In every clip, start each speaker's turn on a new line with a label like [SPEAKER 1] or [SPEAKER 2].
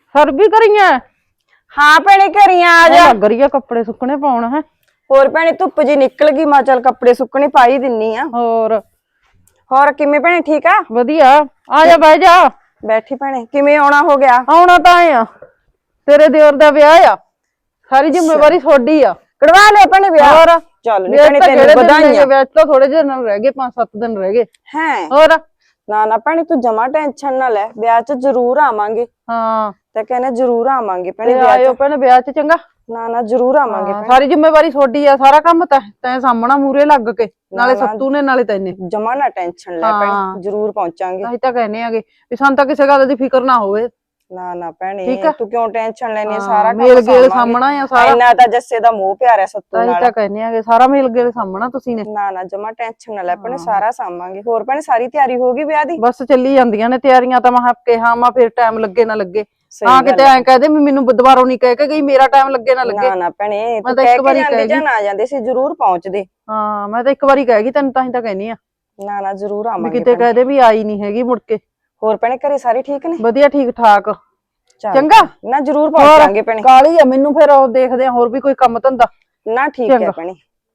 [SPEAKER 1] Sir ਵੀ ਕਰੀਆਂ
[SPEAKER 2] ਹਾਂ ਭੈਣੇ ਘਰੀਆਂ ਆ ਜਾ।
[SPEAKER 1] ਲੱਗ ਰਹੀ ਆ ਕੱਪੜੇ ਸੁੱਕਣੇ ਪਾਉਣ ਹੈ।
[SPEAKER 2] ਹੋਰ ਭੈਣੇ ਧੁੱਪ ਜੀ ਨਿਕਲ ਗਈ, ਮੈਂ ਚੱਲ ਕੱਪੜੇ ਸੁੱਕਣੇ ਪਾ ਹੀ ਦਿੰਨੀ ਆ। ਹੋਰ ਕਿਵੇਂ ਭੈਣੇ ਠੀਕ ਆ?
[SPEAKER 1] ਵਧੀਆ। ਆ ਜਾ ਬਹਿ ਜਾ।
[SPEAKER 2] ਬੈਠੀ ਭੈਣੇ, ਕਿਵੇਂ ਆਉਣਾ ਹੋ ਗਿਆ?
[SPEAKER 1] ਆਉਣਾ ਤਾਂ ਆ, ਤੇਰੇ ਦਿਓਰ ਦਾ ਵਿਆਹ ਆ, ਸਾਰੀ ਜ਼ਿੰਮੇਵਾਰੀ ਤੁਹਾਡੀ ਆ।
[SPEAKER 2] ਕਢਵਾ ਲਿਆ ਭੈਣੇ ਵਿਆਹ?
[SPEAKER 1] ਹੋਰ
[SPEAKER 2] ਚੱਲ ਨੀ ਭੈਣੇ ਤੈਨੂੰ ਵਧਾਈਆਂ।
[SPEAKER 1] ਵਿਆਹ ਤਾਂ ਥੋੜੇ ਜਿਹੇ ਦਿਨ ਰਹਿ ਗਏ, 5-7 ਦਿਨ ਰਹਿ ਗਏ।
[SPEAKER 2] ਹੈ
[SPEAKER 1] ਹੋਰ
[SPEAKER 2] ਨਾ ਨਾ ਭੈਣੇ ਤੂੰ ਜਮਾ ਟੈਨਸ਼ਨ ਨਾ ਲੈ, ਵਿਆਹ 'ਚ ਜ਼ਰੂਰ ਆਵਾਂਗੇ।
[SPEAKER 1] ਹਾਂ
[SPEAKER 2] ਤੇ ਕਹਿੰਦੇ ਜ਼ਰੂਰ ਆਵਾਂਗੇ ਭੈਣੇ ਵਿਆਹ 'ਚ।
[SPEAKER 1] ਆਇਓ ਭੈਣੇ ਵਿਆਹ 'ਚ, ਚੰਗਾ।
[SPEAKER 2] ਨਾ ਨਾ ਜ਼ਰੂਰ ਆਵਾਂਗੇ ਭੈਣੇ।
[SPEAKER 1] ਸਾਰੀ ਜ਼ਿੰਮੇਵਾਰੀ ਤੁਹਾਡੀ ਆ, ਸਾਰਾ ਕੰਮ ਤੈਂ ਸਾਹਮਣਾ ਮੂਰੇ ਲੱਗ ਕੇ, ਨਾਲੇ ਸੱਤੂ ਨੇ ਨਾਲੇ ਤੈਨੇ।
[SPEAKER 2] ਜਮਾ ਨਾ ਟੈਨਸ਼ਨ ਲੈ ਭੈਣੇ, ਜ਼ਰੂਰ ਪਹੁੰਚਾਂਗੇ।
[SPEAKER 1] ਅਸੀਂ ਤਾਂ ਕਹਿੰਦੇ ਆਗੇ ਵੀ ਸਾਨੂੰ ਤਾਂ ਕਿਸੇ ਗੱਲ ਦੀ ਫਿਕਰ ਨਾ ਹੋਵੇ।
[SPEAKER 2] ਨਾ ਨਾ ਭੈਣੇ ਤੂੰ ਕਿਉਂ ਟੈਨਸ਼ਨ ਲੈਣੀ ਆ, ਸਾਰਾ ਕੰਮ
[SPEAKER 1] ਮੇਲ ਗੇਲ ਸਾਹਮਣਾ ਆ ਸਾਰਾ।
[SPEAKER 2] ਇੰਨਾ ਤਾਂ ਜੱਸੇ ਦਾ ਮੋਹ ਪਿਆਰ ਹੈ ਸੱਤੂ ਨਾਲ।
[SPEAKER 1] ਅਸੀਂ ਤਾਂ ਕਹਿੰਦੇ ਆਗੇ ਸਾਰਾ ਮੇਲ ਗੇਲ ਸਾਹਮਣਾ ਤੁਸੀਂ ਨੇ।
[SPEAKER 2] ਨਾ ਨਾ ਜਮਾ ਟੈਨਸ਼ਨ ਨਾ ਲੈ ਭੈਣੇ, ਸਾਰਾ ਸਾਂਭਾਂਗੇ। ਹੋਰ ਭੈਣੇ ਸਾਰੀ ਤਿਆਰੀ ਹੋ ਗਈ ਵਿਆਹ ਦੀ?
[SPEAKER 1] ਬਸ ਚੱਲੀ ਜਾਂਦੀਆਂ ਨੇ ਤਿਆਰੀਆਂ ਤਾਂ। ਮੈਂ ਕਿਹਾ ਮੈਂ ਫਿਰ ਟਾਈਮ ਲੱਗੇ ਨਾ ਲੱਗੇ, ਹਾਂ ਕਿਤੇ ਐਂ ਕਹਦੇ ਵੀ ਮੈਨੂੰ ਦੁਬਾਰਾ ਨਹੀਂ ਕਹਿ ਕੇ ਗਈ ਮੇਰਾ ਟਾਈਮ ਲੱਗੇ ਨਾ ਲੱਗੇ।
[SPEAKER 2] ਨਾ ਨਾ ਭੈਣੇ ਤੂੰ ਕਹਿ ਕੇ ਜਾਂਦੇ ਜਾਂ ਨਾ ਜਾਂਦੇ ਸੀ ਜ਼ਰੂਰ ਪਹੁੰਚਦੇ।
[SPEAKER 1] ਹਾਂ ਮੈਂ ਤਾਂ ਇੱਕ ਵਾਰੀ ਕਹਿ ਗਈ ਤੈਨੂੰ, ਤਾਂ ਹੀ ਤਾਂ ਕਹਿਨੀ ਆ।
[SPEAKER 2] ਨਾ ਨਾ ਜ਼ਰੂਰ ਆਵਾਂਗੇ।
[SPEAKER 1] ਕਿਤੇ ਕਹਦੇ ਵੀ ਆਈ ਨਹੀਂ ਹੈਗੀ ਮੁੜ ਕੇ।
[SPEAKER 2] ਹੋਰ ਭੈਣੇ ਘਰੇ ਸਾਰੇ ਠੀਕ ਨੇ?
[SPEAKER 1] ਵਧੀਆ ਠੀਕ ਠਾਕ। ਚੰਗਾ
[SPEAKER 2] ਨਾ ਜ਼ਰੂਰ ਪਹੁੰਚਾਂਗੇ ਭੈਣੇ।
[SPEAKER 1] ਕਾਲੀ ਆ ਮੈਨੂੰ, ਫਿਰ ਉਹ ਦੇਖਦੇ ਆ ਹੋਰ ਵੀ ਕੋਈ ਕੰਮ ਧੰਦਾ।
[SPEAKER 2] ਨਾ ਠੀਕ ਹੈ ਭੈਣੇ।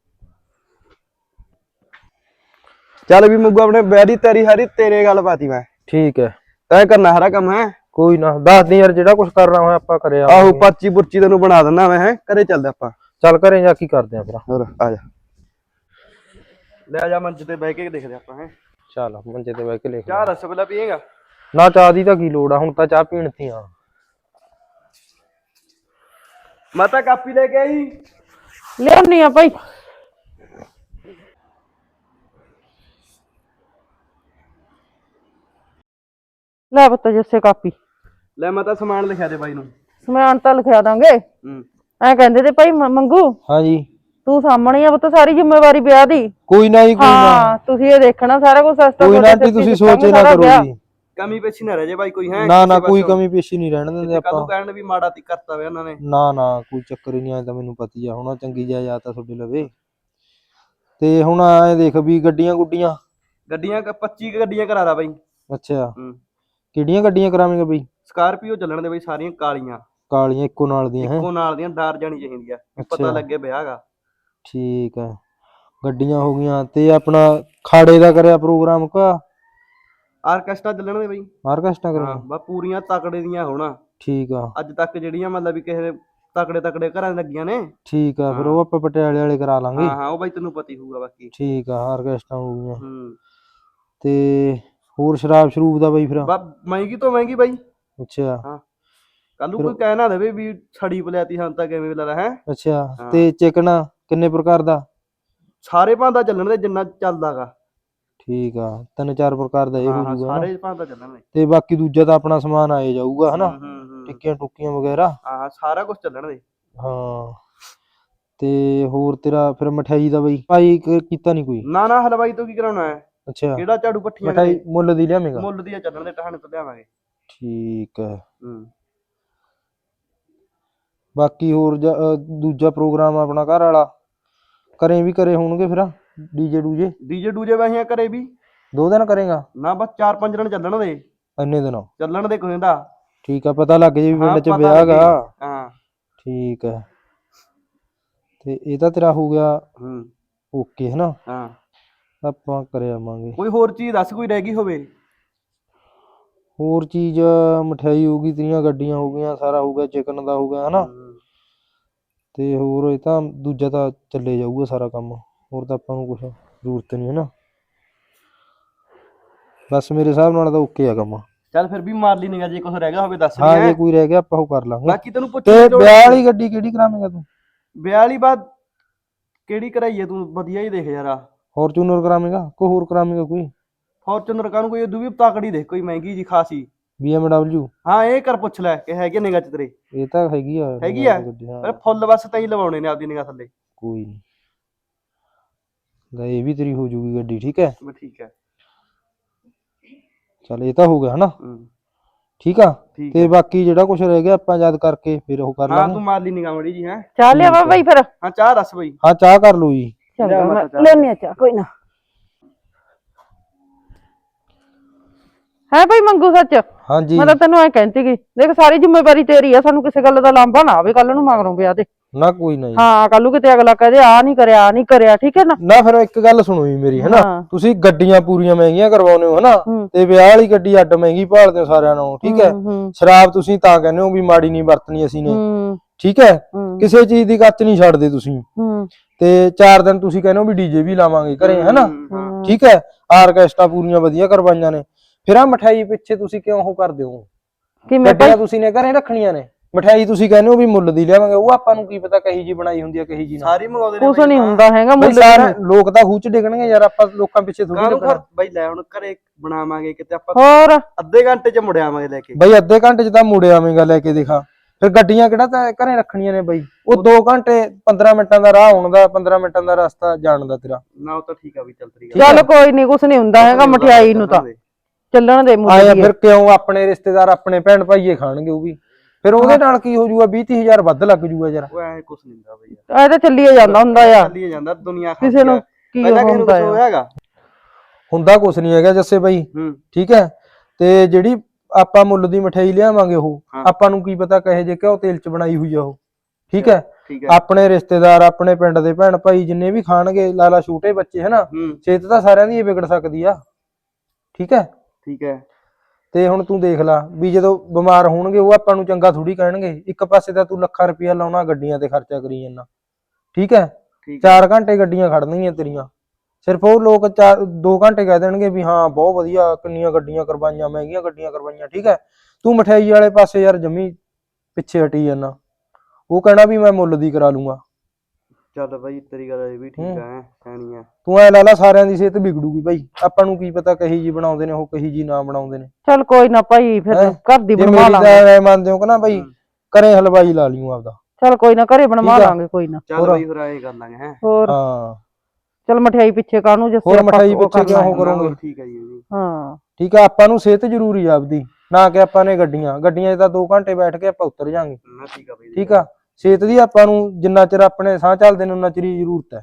[SPEAKER 3] ਚੱਲ ਵੀ ਮੁੱਗੂ ਆਪਣੇ ਵਿਆਹ ਦੀ ਤਿਆਰੀ ਸਾਰੀ ਤੇਰੇ ਗੱਲ ਪਾਤੀ ਮੈਂ।
[SPEAKER 4] ਠੀਕ ਹੈ,
[SPEAKER 3] ਤੈਂ ਕਰਨਾ ਸਾਰਾ ਕੰਮ ਹੈ।
[SPEAKER 4] ਕੋਈ ਨਾ ਦੱਸ ਦੀ ਯਾਰ, ਜਿਹੜਾ ਕੁਝ ਕਰਨਾ ਹੋਇਆ ਆਪਾਂ ਕਰਿਆ।
[SPEAKER 3] ਆਹੋ ਪਾਚੀ ਪੁਰਚੀ ਤੈਨੂੰ ਬਣਾ ਦਿੰਦਾ ਮੈਂ। ਹੈ ਘਰੇ ਚੱਲਦੇ ਆਪਾਂ।
[SPEAKER 4] ਚੱਲ ਘਰੇ ਜਾ ਕੀ ਕਰਦੇ ਆ ਫਿਰ।
[SPEAKER 3] ਹੋਰ ਆ ਜਾ, ਲੈ ਜਾ ਮੰਚ ਤੇ ਬਹਿ ਕੇ ਦੇਖਦੇ ਆਪਾਂ। ਹੈ
[SPEAKER 4] ਚੱਲ ਮੰਜੇ ਤੇ ਬਹਿ ਕੇ ਲਿਖ।
[SPEAKER 3] ਚਾਹ ਰਸਗੁੱਲਾ ਪੀਏਗਾ?
[SPEAKER 4] ਨਾ ਚਾਹ ਦੀ ਤਾਂ ਕੀ ਲੋੜ ਆ, ਹੁਣ ਤਾਂ ਚਾਹ ਪੀਣ ਤੀ ਆ।
[SPEAKER 3] ਮੈਂ ਤਾਂ ਕਾਪੀ ਲੈ ਕੇ ਆਈ।
[SPEAKER 1] ਲਿਆਉਣੀ ਆ ਭਾਈ। ਲੈ ਪੁੱਤ ਜੱਸੇ ਕਾਪੀ।
[SPEAKER 3] ਲੈ ਮੈਂ ਤਾਂ ਸਮਾਨ ਲਿਖਿਆ ਦੇ ਬਾਈ ਨੂੰ।
[SPEAKER 1] ਸਮਾਨ ਤਾਂ ਲਿਖਿਆ ਦਾਂਗੇ। ਐ ਕਹਿੰਦੇ ਤੇ ਭਾਈ ਮੰਗੂ
[SPEAKER 4] ਹਾਂਜੀ
[SPEAKER 1] ਤੂੰ ਸਾਹਮਣੇ ਆ ਪੁੱਤ ਸਾਰੀ ਜ਼ਿੰਮੇਵਾਰੀ ਵਿਆਹ ਦੀ।
[SPEAKER 4] ਕੋਈ ਨਾ ਜੀ, ਕੋਈ ਨਾ।
[SPEAKER 1] ਹਾਂ ਤੁਸੀਂ ਇਹ ਦੇਖਣਾ ਸਾਰਾ ਕੁਝ ਸਸਤਾ।
[SPEAKER 4] ਕੋਈ ਨਾ ਆਂਟੀ ਤੁਸੀਂ ਸੋਚੇ ਨਾ ਕਰੋ ਜੀ।
[SPEAKER 3] ਕਮੀ ਪੇਸ਼ੀ ਨਾ ਰਹਿ ਜੇ ਬਾਈ ਕੋਈ। ਹੈ
[SPEAKER 4] ਨਾ ਨਾ ਕੋਈ ਕਮੀ ਪੇਸ਼ੀ ਨਹੀਂ ਰਹਿਣ ਦਿੰਦੇ ਆਪਾਂ।
[SPEAKER 3] ਕੱਲ ਕਹਿਣ ਵੀ ਮਾੜਾ ਤੀ ਕਰਤਾ ਵੇ ਉਹਨਾਂ ਨੇ।
[SPEAKER 4] ਨਾ ਨਾ ਕੋਈ ਚੱਕਰ ਹੀ ਨਹੀਂ, ਆਇਆ ਤਾਂ ਮੈਨੂੰ ਪਤੀ ਆ ਹੁਣ ਚੰਗੀ ਜਾਇਦਾਦ ਤਾਂ ਤੁਹਾਡੇ ਲਵੇ। ਤੇ ਹੁਣ ਐ ਦੇਖ ਵੀ ਗੱਡੀਆਂ
[SPEAKER 3] 25 ਗੱਡੀਆਂ ਕਰਾ ਦਾ ਬਾਈ।
[SPEAKER 4] ਅੱਛਾ ਕਿਹੜੀਆਂ ਗੱਡੀਆਂ ਕਰਾਵੇਂਗਾ ਬਈ?
[SPEAKER 3] ਸਕਾਰਪੀਓ ਚੱਲਣ ਦੇ ਬਾਈ, ਸਾਰੀਆਂ ਕਾਲੀਆਂ
[SPEAKER 4] ਕਾਲੀਆਂ ਇੱਕੋ ਨਾਲ ਦੀਆਂ?
[SPEAKER 3] ਇੱਕੋ ਨਾਲ ਦੀਆਂ, ਡਰ ਜਾਣੀ ਚਾਹੀਦੀ ਆ, ਪਤਾ ਲੱਗੇ ਵਿਆਹ ਗਾ।
[SPEAKER 4] ਠੀਕ ਆ, ਗੱਡੀਆਂ ਹੋ ਗਈਆਂ। ਤੇ ਆਪਣਾ ਖਾੜੇ ਦਾ ਕਰਿਆ ਪ੍ਰੋਗਰਾਮ ਕਾ?
[SPEAKER 3] ਆਰਕੈਸਟਰਾ ਚੱਲਣ ਦੇ ਬਾਈ।
[SPEAKER 4] ਆਰਕੈਸਟਰਾ ਕਰਿਆ?
[SPEAKER 3] ਹਾਂ ਬਸ ਪੂਰੀਆਂ ਤਕੜੇ ਦੀਆਂ ਹੋਣਾ।
[SPEAKER 4] ਠੀਕ ਆ।
[SPEAKER 3] ਅੱਜ ਤੱਕ ਜਿਹੜੀਆਂ ਮਤਲਬ ਵੀ ਕਿਸੇ ਤਕੜੇ ਘਰਾਂ ਲੱਗੀਆਂ ਨੇ।
[SPEAKER 4] ਠੀਕ ਆ, ਫਿਰ ਉਹ ਆਪਾਂ ਪਟਿਆਲੇ ਵਾਲੇ ਕਰਾ ਲਾਂਗੇ।
[SPEAKER 3] ਹਾਂ ਉਹ ਬਾਈ ਤੈਨੂੰ ਪਤਾ ਹੀ ਹੋਊਗਾ ਬਾਕੀ।
[SPEAKER 4] ਠੀਕ ਆ, ਆਰਕੈਸਟਰਾ ਹੋ ਗਈਆਂ। ਤੇ ਹੋਰ ਸ਼ਰਾਬ ਸ਼ਰੂਬ ਦਾ ਬਾਈ ਫਿਰ?
[SPEAKER 3] ਮਹਿੰਗੀ ਤੋਂ ਮਹਿੰਗੀ ਬਾਈ।
[SPEAKER 4] ਅੱਛਾ
[SPEAKER 3] ਹਾਂ ਕੱਲ ਨੂੰ ਕੋਈ ਕਹਿ ਨਾ ਦੇਵੇ ਵੀ ਛੜੀ ਪਲਿਆਤੀ ਹਾਂ ਤਾਂ ਕਿਵੇਂ ਲੱਗਦਾ ਹੈ।
[SPEAKER 4] ਅੱਛਾ ਤੇ ਚਿਕਨ ਕਿੰਨੇ ਪ੍ਰਕਾਰ ਦਾ?
[SPEAKER 3] ਸਾਰੇ ਭਾਂਦਾ ਚੱਲਣ ਦੇ ਜਿੰਨਾ ਚੱਲਦਾਗਾ।
[SPEAKER 4] ਠੀਕ ਆ, 3-4 ਪ੍ਰਕਾਰ ਦਾ ਇਹ ਹੋ ਜੂਗਾ।
[SPEAKER 3] ਸਾਰੇ ਭਾਂਦਾ ਚੱਲਣ ਦੇ।
[SPEAKER 4] ਤੇ ਬਾਕੀ ਦੂਜਾ ਤਾਂ ਆਪਣਾ ਸਮਾਨ ਆਏ ਜਾਊਗਾ ਹਨਾ, ਟਿੱਕੀਆਂ ਟੁੱਕੀਆਂ ਵਗੈਰਾ।
[SPEAKER 3] ਹਾਂ ਸਾਰਾ ਕੁਝ ਚੱਲਣ ਦੇ।
[SPEAKER 4] ਹਾਂ ਤੇ ਹੋਰ ਤੇਰਾ ਫਿਰ ਮਠਿਆਈ ਦਾ ਬਈ ਭਾਈ ਕੀਤਾ ਨਹੀਂ ਕੋਈ?
[SPEAKER 3] ਨਾ ਨਾ ਹਲਵਾਈ ਤੋਂ ਕੀ ਕਰਾਉਣਾ ਹੈ।
[SPEAKER 4] ਅੱਛਾ
[SPEAKER 3] ਕਿਹੜਾ ਝਾੜੂ ਪੱਠੀਆਂ
[SPEAKER 4] ਮਠਿਆਈ ਮੁੱਲ ਦੀ ਲਿਆਵੇਂਗਾ?
[SPEAKER 3] ਮੁੱਲ ਦੀ ਚੱਲਣ ਦੇ, ਟਹਾਣੇ ਤੋਂ ਲਿਆਵਾਂਗੇ।
[SPEAKER 4] ਠੀਕ ਹੈ। ਬਾਕੀ ਹੋਰ ਦੂਜਾ ਪ੍ਰੋਗਰਾਮ ਆਪਣਾ ਘਰ ਵਾਲਾ ਘਰੇ ਵੀ ਕਰੇ ਹੋਣਗੇ ਫਿਰ? ਡੀਜੇ ਡੂਜੇ ਵਾਹੀਆਂ ਕਰੇ ਵੀ 2 ਦਿਨ ਕਰੇਗਾ? ਨਾ ਬਸ 4-5 ਦਿਨ ਚੱਲਣ ਦੇ। ਇੰਨੇ ਦਿਨ ਚੱਲਣ ਦੇ ਕੋਈ ਦਾ। ਠੀਕ ਆ, ਪਤਾ ਲੱਗ ਜੇ ਵੀ ਪਿੰਡ ਚ ਵਿਆਹ ਗਾ। ਹਾਂ ਠੀਕ ਹੈ। ਤੇ ਇਹ ਤਾਂ ਤੇਰਾ ਹੋ ਗਿਆ ਓਕੇ ਹਨਾ। ਹਾਂ ਆਪਾਂ ਕਰ ਆਵਾਂਗੇ। ਕੋਈ ਹੋਰ ਚੀਜ਼ ਦੱਸ, ਕੋਈ ਰਹਿ ਗਈ ਹੋਵੇ? ਹੋਰ ਚੀਜ਼ ਮਠਿਆਈ ਹੋ ਗਈ, ਤੇਰੀਆਂ ਗੱਡੀਆਂ ਹੋ ਗਈਆਂ, ਸਾਰਾ ਹੋ ਗਿਆ, ਚਿਕਨ ਦਾ ਹੋ ਗਿਆ ਹਨਾ। ਤੇ ਹੋਰ ਇਹ ਤਾਂ ਦੂਜਾ ਤਾਂ ਚੱਲੇ ਜਾਊਗਾ ਸਾਰਾ ਕੰਮ, ਹੋਰ ਤਾਂ ਆਪਾਂ ਨੂੰ ਕੁਛ ਜ਼ਰੂਰਤ ਨਹੀਂ ਹਨਾ। ਬਸ ਮੇਰੇ ਹਿਸਾਬ ਨਾਲ ਤਾਂ ਓਕੇ ਆ ਕੰਮ। ਚੱਲ ਫਿਰ ਵੀ ਮਾਰ ਲਈ ਨਿਗਾ, ਜੇ ਕੁਛ ਰਹਿ ਗਿਆ ਹੋਵੇ ਦੱਸ। ਹਾਂ ਜੇ ਕੋਈ ਰਹਿ ਗਿਆ ਆਪਾਂ ਉਹ ਕਰ ਲਾਂਗੇ। ਬਾਕੀ ਤੈਨੂੰ ਪੁੱਛ ਤੇ ਵਿਆਹ ਵਾਲੀ ਗੱਡੀ ਕਿਹੜੀ ਕਰਾਵੇਂਗਾ ਤੂੰ? ਵਿਆਹ ਵਾਲੀ ਬਾਤ ਕਿਹੜੀ ਕਰਾਈਏ ਤੂੰ? ਵਧੀਆ ਹੀ ਦੇਖ ਯਾਰ। ਫੋਰਚੂਨਰ ਕਰਾਵੇਂਗਾ ਕੋਈ ਹੋਰ ਕਰਾਵੇਂਗਾ? ਕੋਈ ਫੋਰਚੂਨਰ ਕਾਹਨੂੰ, ਕੋਈ ਉਦੋਂ ਵੀ ਤਕੜੀ ਦੇਖ, ਕੋਈ ਮਹਿੰਗੀ ਜੀ ਖਾਸੀ। BMW? ਹਾਂ ਇਹ ਕਰ ਪੁੱਛ ਲੈ ਕਿ ਹੈਗੇ ਨਿਗਾਹ ਚ ਤੇਰੇ? ਇਹ ਤਾਂ ਹੈਗੀ ਆ ਪਰ ਫੁੱਲ ਬਸ ਤਾਂ ਹੀ ਲਵਾਉਣੇ ਨੇ ਆਪਦੀ ਨਿਗਾਹ ਥੱਲੇ। ਕੋਈ ਨੀ ਇਹ ਵੀ ਤੇਰੀ ਹੋ ਜੂਗੀ ਗੱਡੀ। ਠੀਕ ਹੈ ਠੀਕ ਹੈ। ਚੱਲ ਇਹ ਤਾਂ ਹੋ ਗਿਆ ਹਨਾ। ਠੀਕ ਆ। ਤੇ ਬਾਕੀ ਜਿਹੜਾ ਕੁਛ ਰਹਿ ਗਿਆ ਆਪਾਂ ਯਾਦ ਕਰਕੇ ਫਿਰ ਉਹ ਕਰ ਲਾਂਗੇ। ਹਾਂ ਤੂੰ ਮਾਰ ਲਈ ਨਿਗਾਹ ਮੜੀ ਜੀ। ਹੈ ਚਾਹ ਲਿਆਵਾ ਬਾਈ ਫਿਰ? ਹਾਂ ਚਾਹ ਦੱਸ ਬਾਈ। ਹਾਂ ਚਾਹ ਕਰ ਲਓ ਜੀ।
[SPEAKER 1] ਲੈਣੀ ਆ ਚਾਹ, ਕੋਈ ਨਾ। ਹੈ ਭਾਈ ਮੰਗੂ ਸੱਚ
[SPEAKER 4] ਹਾਂਜੀ
[SPEAKER 1] ਮੈਂ ਤਾਂ ਤੈਨੂੰ ਐ ਕਹਿੰਦੀ ਗਈ ਦੇਖ ਸਾਰੀ ਜ਼ਿੰਮੇਵਾਰੀ ਤੇਰੀ ਆ ਸਾਨੂੰ ਕਿਸੇ ਗੱਲ ਦਾ ਲਾਂਭਾ ਨਾ ਆਵੇ ਕੱਲ ਨੂੰ ਮਗਰੋਂ ਵਿਆਹ ਤੇ
[SPEAKER 4] ਨਾ ਕੋਈ ਨਹੀਂ
[SPEAKER 1] ਹਾਂ ਕੱਲ ਨੂੰ ਕਿਤੇ ਅਗਲਾ ਕਹਦੇ ਆ ਨਹੀਂ ਕਰਿਆ ਠੀਕ ਹੈ ਨਾ
[SPEAKER 4] ਨਾ ਫਿਰ ਇੱਕ ਗੱਲ ਸੁਣੋ ਜੀ ਮੇਰੀ ਹੈਨਾ ਤੁਸੀਂ ਗੱਡੀਆਂ ਪੂਰੀਆਂ ਮਹਿੰਗੀਆਂ ਕਰਵਾਉਨੇ ਹੋ ਹਨਾ ਤੇ ਵਿਆਹ ਵਾਲੀ ਗੱਡੀ ਅੱਡ ਮਹਿੰਗੀ ਭਾਲਦੇ ਹੋ ਸਾਰਿਆਂ ਨੂੰ ਠੀਕ ਹੈ ਸ਼ਰਾਬ ਤੁਸੀਂ ਤਾਂ ਕਹਿੰਦੇ ਹੋ ਵੀ ਮਾੜੀ ਨਹੀਂ ਵਰਤਣੀ ਅਸੀਂ ਨੇ ਠੀਕ ਹੈ ਕਿਸੇ ਚੀਜ਼ ਦੀ ਕੱਚ ਨਹੀਂ ਛੱਡਦੇ ਤੁਸੀਂ ਤੇ 4 ਦਿਨ ਤੁਸੀਂ ਕਹਿੰਦੇ ਹੋ ਵੀ ਡੀਜੇ ਵੀ ਲਾਵਾਂਗੇ ਘਰੇ ਹੈਨਾ ਠੀਕ ਹੈ ਆਰਕੈਸਟਰਾ ਪੂਰੀਆਂ ਵਧੀਆ ਕਰਵਾਈਆਂ ਨੇ ਫਿਰ ਆ ਮਠਾਈ ਪਿੱਛੇ ਤੁਸੀਂ ਕਿਉਂ ਉਹ ਕਰਦੇ ਹੋ ਗੱਡੀਆਂ ਤੁਸੀਂ ਨੇ ਘਰੇ ਰੱਖਣੀਆਂ ਨੇ ਮਠਾਈ ਤੁਸੀਂ ਕਹਿੰਦੇ ਹੋ ਵੀ ਮੁੱਲ ਦੀ ਲਿਆਵਾਂਗੇ ਉਹ ਆਪਾਂ ਨੂੰ ਕੀ ਪਤਾ ਕਹੀ ਜੀ ਬਣਾਈ ਹੁੰਦੀ ਆ ਕਹੀ ਜੀ ਨਾ
[SPEAKER 3] ਸਾਰੀ ਮੰਗਾਉਂਦੇ ਨੇ
[SPEAKER 1] ਕੁਛ ਨਹੀਂ ਹੁੰਦਾ ਹੈਗਾ ਮੁੱਲ
[SPEAKER 4] ਲੋਕ ਤਾਂ ਖੂਚ ਡਿੱਗਣਗੇ ਯਾਰ ਆਪਾਂ ਲੋਕਾਂ ਪਿੱਛੇ ਥੋੜੀ
[SPEAKER 3] ਬਾਈ ਲੈ ਹੁਣ ਘਰੇ ਬਣਾਵਾਂਗੇ ਕਿਤੇ ਆਪਾਂ
[SPEAKER 1] ਹੋਰ
[SPEAKER 3] ਅੱਧੇ ਘੰਟੇ ਚ ਮੁੜ ਆਵਾਂਗੇ ਲੈ ਕੇ
[SPEAKER 4] ਬਈ ਅੱਧੇ ਘੰਟੇ ਚ ਤਾਂ ਮੁੜ ਆਵੇਂਗਾ ਲੈ ਕੇ ਦਿਖਾ ਫਿਰ ਗੱਡੀਆਂ ਕਿਹੜਾ ਤਾਂ ਘਰੇ ਰੱਖਣੀਆਂ ਨੇ ਬਈ ਉਹ 2 ਘੰਟੇ 15 ਮਿੰਟਾਂ ਦਾ ਰਾਹ ਆਉਣ ਦਾ 15 ਮਿੰਟਾਂ ਦਾ ਰਸਤਾ ਜਾਣ ਦਾ ਤੇਰਾ
[SPEAKER 3] ਨਾ ਉਹ ਤਾਂ ਠੀਕ ਆ ਵੀ ਚੱਲ ਤਰੀ
[SPEAKER 1] ਚੱਲ ਕੋਈ ਨਹੀਂ ਕੁਛ ਨਹੀਂ ਹੁੰਦਾ ਹੈਗਾ ਮਠਿਆਈ ਨੂੰ ਤਾਂ ਚੱਲਣ ਦੇ ਮੁੱਲ
[SPEAKER 4] ਆਇਆ ਫਿਰ ਕਿਉਂ ਆਪਣੇ ਰਿਸ਼ਤੇਦਾਰ ਆਪਣੇ ਭੈਣ ਭਾਈਏ ਖਾਣਗੇ ਉਹ ਵੀ ਫਿਰ ਉਹਦੇ ਨਾਲ ਕੀ ਹੋ ਜਾਊਗਾ 20-30,000 ਵੱਧ ਲੱਗ ਜਾਊਗਾ ਯਾਰ
[SPEAKER 3] ਉਹ ਐ ਕੁਛ ਨਹੀਂ ਹੁੰਦਾ ਬਈ
[SPEAKER 1] ਇਹ ਤਾਂ ਚੱਲੀਏ ਜਾਂਦਾ ਹੁੰਦਾ ਆ
[SPEAKER 3] ਚੱਲੀਏ ਜਾਂਦਾ ਦੁਨੀਆ
[SPEAKER 1] ਕਿਸੇ ਨੂੰ ਕੀ ਹੁੰਦਾ
[SPEAKER 3] ਹੈਗਾ
[SPEAKER 4] ਹੁੰਦਾ ਕੁਛ ਨਹੀਂ ਹੈਗਾ ਜੱਸੇ ਬਾਈ ਠੀਕ ਹੈ ਤੇ ਜਿਹੜੀ ਆਪਾਂ ਮੁੱਲ ਦੀ ਮਠਿਆਈ ਲਿਆਵਾਂਗੇ ਉਹ ਆਪਾਂ ਨੂੰ ਕੀ ਪਤਾ ਕਹੇ ਜੇ ਘਿਓ ਤੇਲ ਚ ਬਣਾਈ ਹੋਈ ਆ ਉਹ ਠੀਕ ਹੈ ਆਪਣੇ ਰਿਸ਼ਤੇਦਾਰ ਆਪਣੇ ਪਿੰਡ ਦੇ ਭੈਣ ਭਾਈ ਜਿੰਨੇ ਵੀ ਖਾਣਗੇ ਲਾਲਾ ਛੋਟੇ ਬੱਚੇ ਹਨਾ ਸਿਹਤ ਤਾਂ ਸਾਰਿਆਂ ਦੀ ਵਿਗੜ ਸਕਦੀ ਆ ਠੀਕ ਹੈ ਤੇ ਹੁਣ ਤੂੰ ਦੇਖ ਲੈ ਵੀ ਜਦੋਂ ਬਿਮਾਰ ਹੋਣਗੇ ਉਹ ਆਪਾਂ ਨੂੰ ਚੰਗਾ ਥੋੜੀ ਕਹਿਣਗੇ ਇੱਕ ਪਾਸੇ ਤਾਂ ਤੂੰ ਲੱਖਾਂ ਰੁਪਇਆ ਲਾਉਣਾ ਗੱਡੀਆਂ ਤੇ ਖਰਚਾ ਕਰੀ ਜਾਂਦਾ ਠੀਕ ਹੈ 4 ਘੰਟੇ ਗੱਡੀਆਂ ਖੜਨਗੀਆਂ ਤੇਰੀਆਂ ਸਿਰਫ ਉਹ ਲੋਕ 2 ਘੰਟੇ ਕਹਿ ਦੇਣਗੇ ਵੀ ਹਾਂ ਬਹੁਤ ਵਧੀਆ ਕਿੰਨੀਆਂ ਗੱਡੀਆਂ ਕਰਵਾਈਆਂ ਮਹਿੰਗੀਆਂ ਗੱਡੀਆਂ ਕਰਵਾਈਆਂ ਠੀਕ ਹੈ ਤੂੰ ਮਠਿਆਈ ਵਾਲੇ ਪਾਸੇ ਯਾਰ ਜੰਮੀ ਪਿੱਛੇ ਹਟੀ ਜਾਂਦਾ ਉਹ ਕਹਿਣਾ ਵੀ ਮੈਂ ਮੁੱਲ ਦੀ ਕਰਾ ਲੂੰਗਾ
[SPEAKER 3] ਚੱਲ ਬਾਈ ਤੇਰੀ ਗੱਲ ਇਹ ਵੀ ਠੀਕ ਆ ਕਹਿਣੀ ਆ
[SPEAKER 4] ਤੂੰ ਐ ਲਾ ਲਾ ਸਾਰਿਆਂ ਦੀ ਸਿਹਤ ਵਿਗੜੂਗੀ ਬਾਈ ਆਪਾਂ ਨੂੰ ਕੀ ਪਤਾ ਕਹੀ ਜੀ ਬਣਾਉਂਦੇ ਨੇ ਉਹ ਕਹੀ ਜੀ ਨਾ ਬਣਾਉਂਦੇ ਨੇ
[SPEAKER 1] ਚੱਲ ਕੋਈ ਨਾ ਭਾਈ ਫਿਰ ਘਰ ਦੀ ਬਣਵਾ ਲਾਂਗੇ
[SPEAKER 4] ਐ ਮੰਨਦੇ ਹੋ ਕਿ ਨਾ ਬਾਈ ਘਰੇ ਹਲਵਾਈ ਲਾ ਲਿਓ ਆਪਦਾ
[SPEAKER 1] ਚੱਲ ਕੋਈ ਨਾ ਘਰੇ ਬਣਵਾ ਲਾਂਗੇ ਕੋਈ ਨਾ
[SPEAKER 3] ਚੱਲ ਬਾਈ ਫਿਰ ਐਂ ਕਰ ਲਾਂਗੇ
[SPEAKER 1] ਹੋਰ
[SPEAKER 4] ਹਾਂ
[SPEAKER 1] ਚੱਲ ਮਠਿਆਈ ਪਿੱਛੇ ਕਾਹਨੂੰ ਜਿਸ
[SPEAKER 4] ਹੋਰ ਮਠਿਆਈ ਪਿੱਛੇ ਕਿਉਂ ਉਹ ਕਰੋਗੇ
[SPEAKER 3] ਠੀਕ ਹੈ ਜੀ
[SPEAKER 1] ਹਾਂ
[SPEAKER 4] ਠੀਕ ਆ ਆਪਾਂ ਨੂੰ ਸਿਹਤ ਜ਼ਰੂਰੀ ਆ ਆਪਦੀ ਨਾ ਕਿ ਆਪਾਂ ਨੇ ਗੱਡੀਆਂ 'ਚ ਤਾਂ 2 ਘੰਟੇ ਬੈਠ ਕੇ ਆਪਾਂ ਉਤਰ ਜਾਾਂਗੇ
[SPEAKER 3] ਠੀਕ ਆ ਬਾਈ
[SPEAKER 4] ਠੀਕ ਆ ਸਿਹਤ ਦੀ ਆਪਾਂ ਨੂੰ ਜਿੰਨਾ ਚਿਰ ਆਪਣੇ ਸਾਹ ਚੱਲਦੇ ਨੇ ਉਨਾ ਚਿਰ ਹੀ ਜ਼ਰੂਰਤ ਹੈ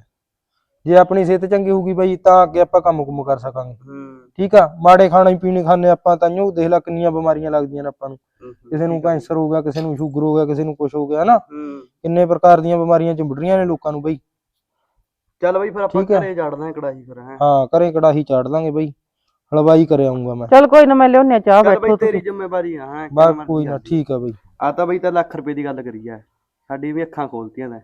[SPEAKER 4] ਜੇ ਆਪਣੀ ਸਿਹਤ ਚੰਗੀ ਹੋਊਗੀ ਬਾਈ ਤਾਂ ਅੱਗੇ ਆਪਾਂ ਕੰਮ ਕਰ ਸਕਾਂਗੇ ਠੀਕ ਆ ਮਾੜੇ ਖਾਣੇ ਪੀਣੇ ਖਾਣੇ ਆਪਾਂ ਤਾਂਹੀਓ ਦੇਖ ਲੈ ਕਿੰਨੀਆਂ ਬਿਮਾਰੀਆਂ ਲੱਗਦੀਆਂ ਨੇ ਆਪਾਂ ਨੂੰ ਕਿਸੇ ਨੂੰ ਕੈਂਸਰ ਹੋ ਗਿਆ ਕਿਸੇ ਨੂੰ ਸ਼ੂਗਰ ਹੋ ਗਿਆ ਕਿਸੇ ਨੂੰ ਕੁਝ ਹੋ ਗਿਆ ਹਨਾ ਕਿੰਨੇ ਪ੍ਰਕਾਰ ਦੀਆਂ ਬਿਮਾਰੀਆਂ ਚਿੰਬੜ ਰਹੀਆਂ ਨੇ ਲੋਕਾਂ ਨੂੰ ਬਾਈ
[SPEAKER 3] ਚੱਲ ਬਾਈ ਫਿਰ ਆਪਾਂ ਘਰੇ ਝਾੜਦੇ ਕੜਾਹੀ ਫਿਰ
[SPEAKER 4] ਹਾਂ ਘਰੇ ਕੜਾਹੀ ਚਾੜ ਦਾਂਗੇ ਬਾਈ ਹਲਵਾਈ ਕਰ ਆਉਂਗਾ ਮੈਂ
[SPEAKER 1] ਚੱਲ ਕੋਈ ਨਾ ਮੈਂ ਲਿਆਉਣੇ ਚਾਹ ਬੈਠੋ
[SPEAKER 3] ਤੇਰੀ ਜ਼ਿੰਮੇਵਾਰੀ ਆ
[SPEAKER 4] ਬਸ ਕੋਈ ਨਾ ਠੀਕ ਆ ਬਾਈ
[SPEAKER 3] ਆ ਤਾਂ ਬਾਈ ਤਾਂ ਲੱਖ ਰੁਪਏ ਦੀ ਗੱਲ ਕਰੀ ਆ ਸਾਡੀ ਵੀ ਅੱਖਾਂ ਖੋਲਤੀਆਂ ਨੇ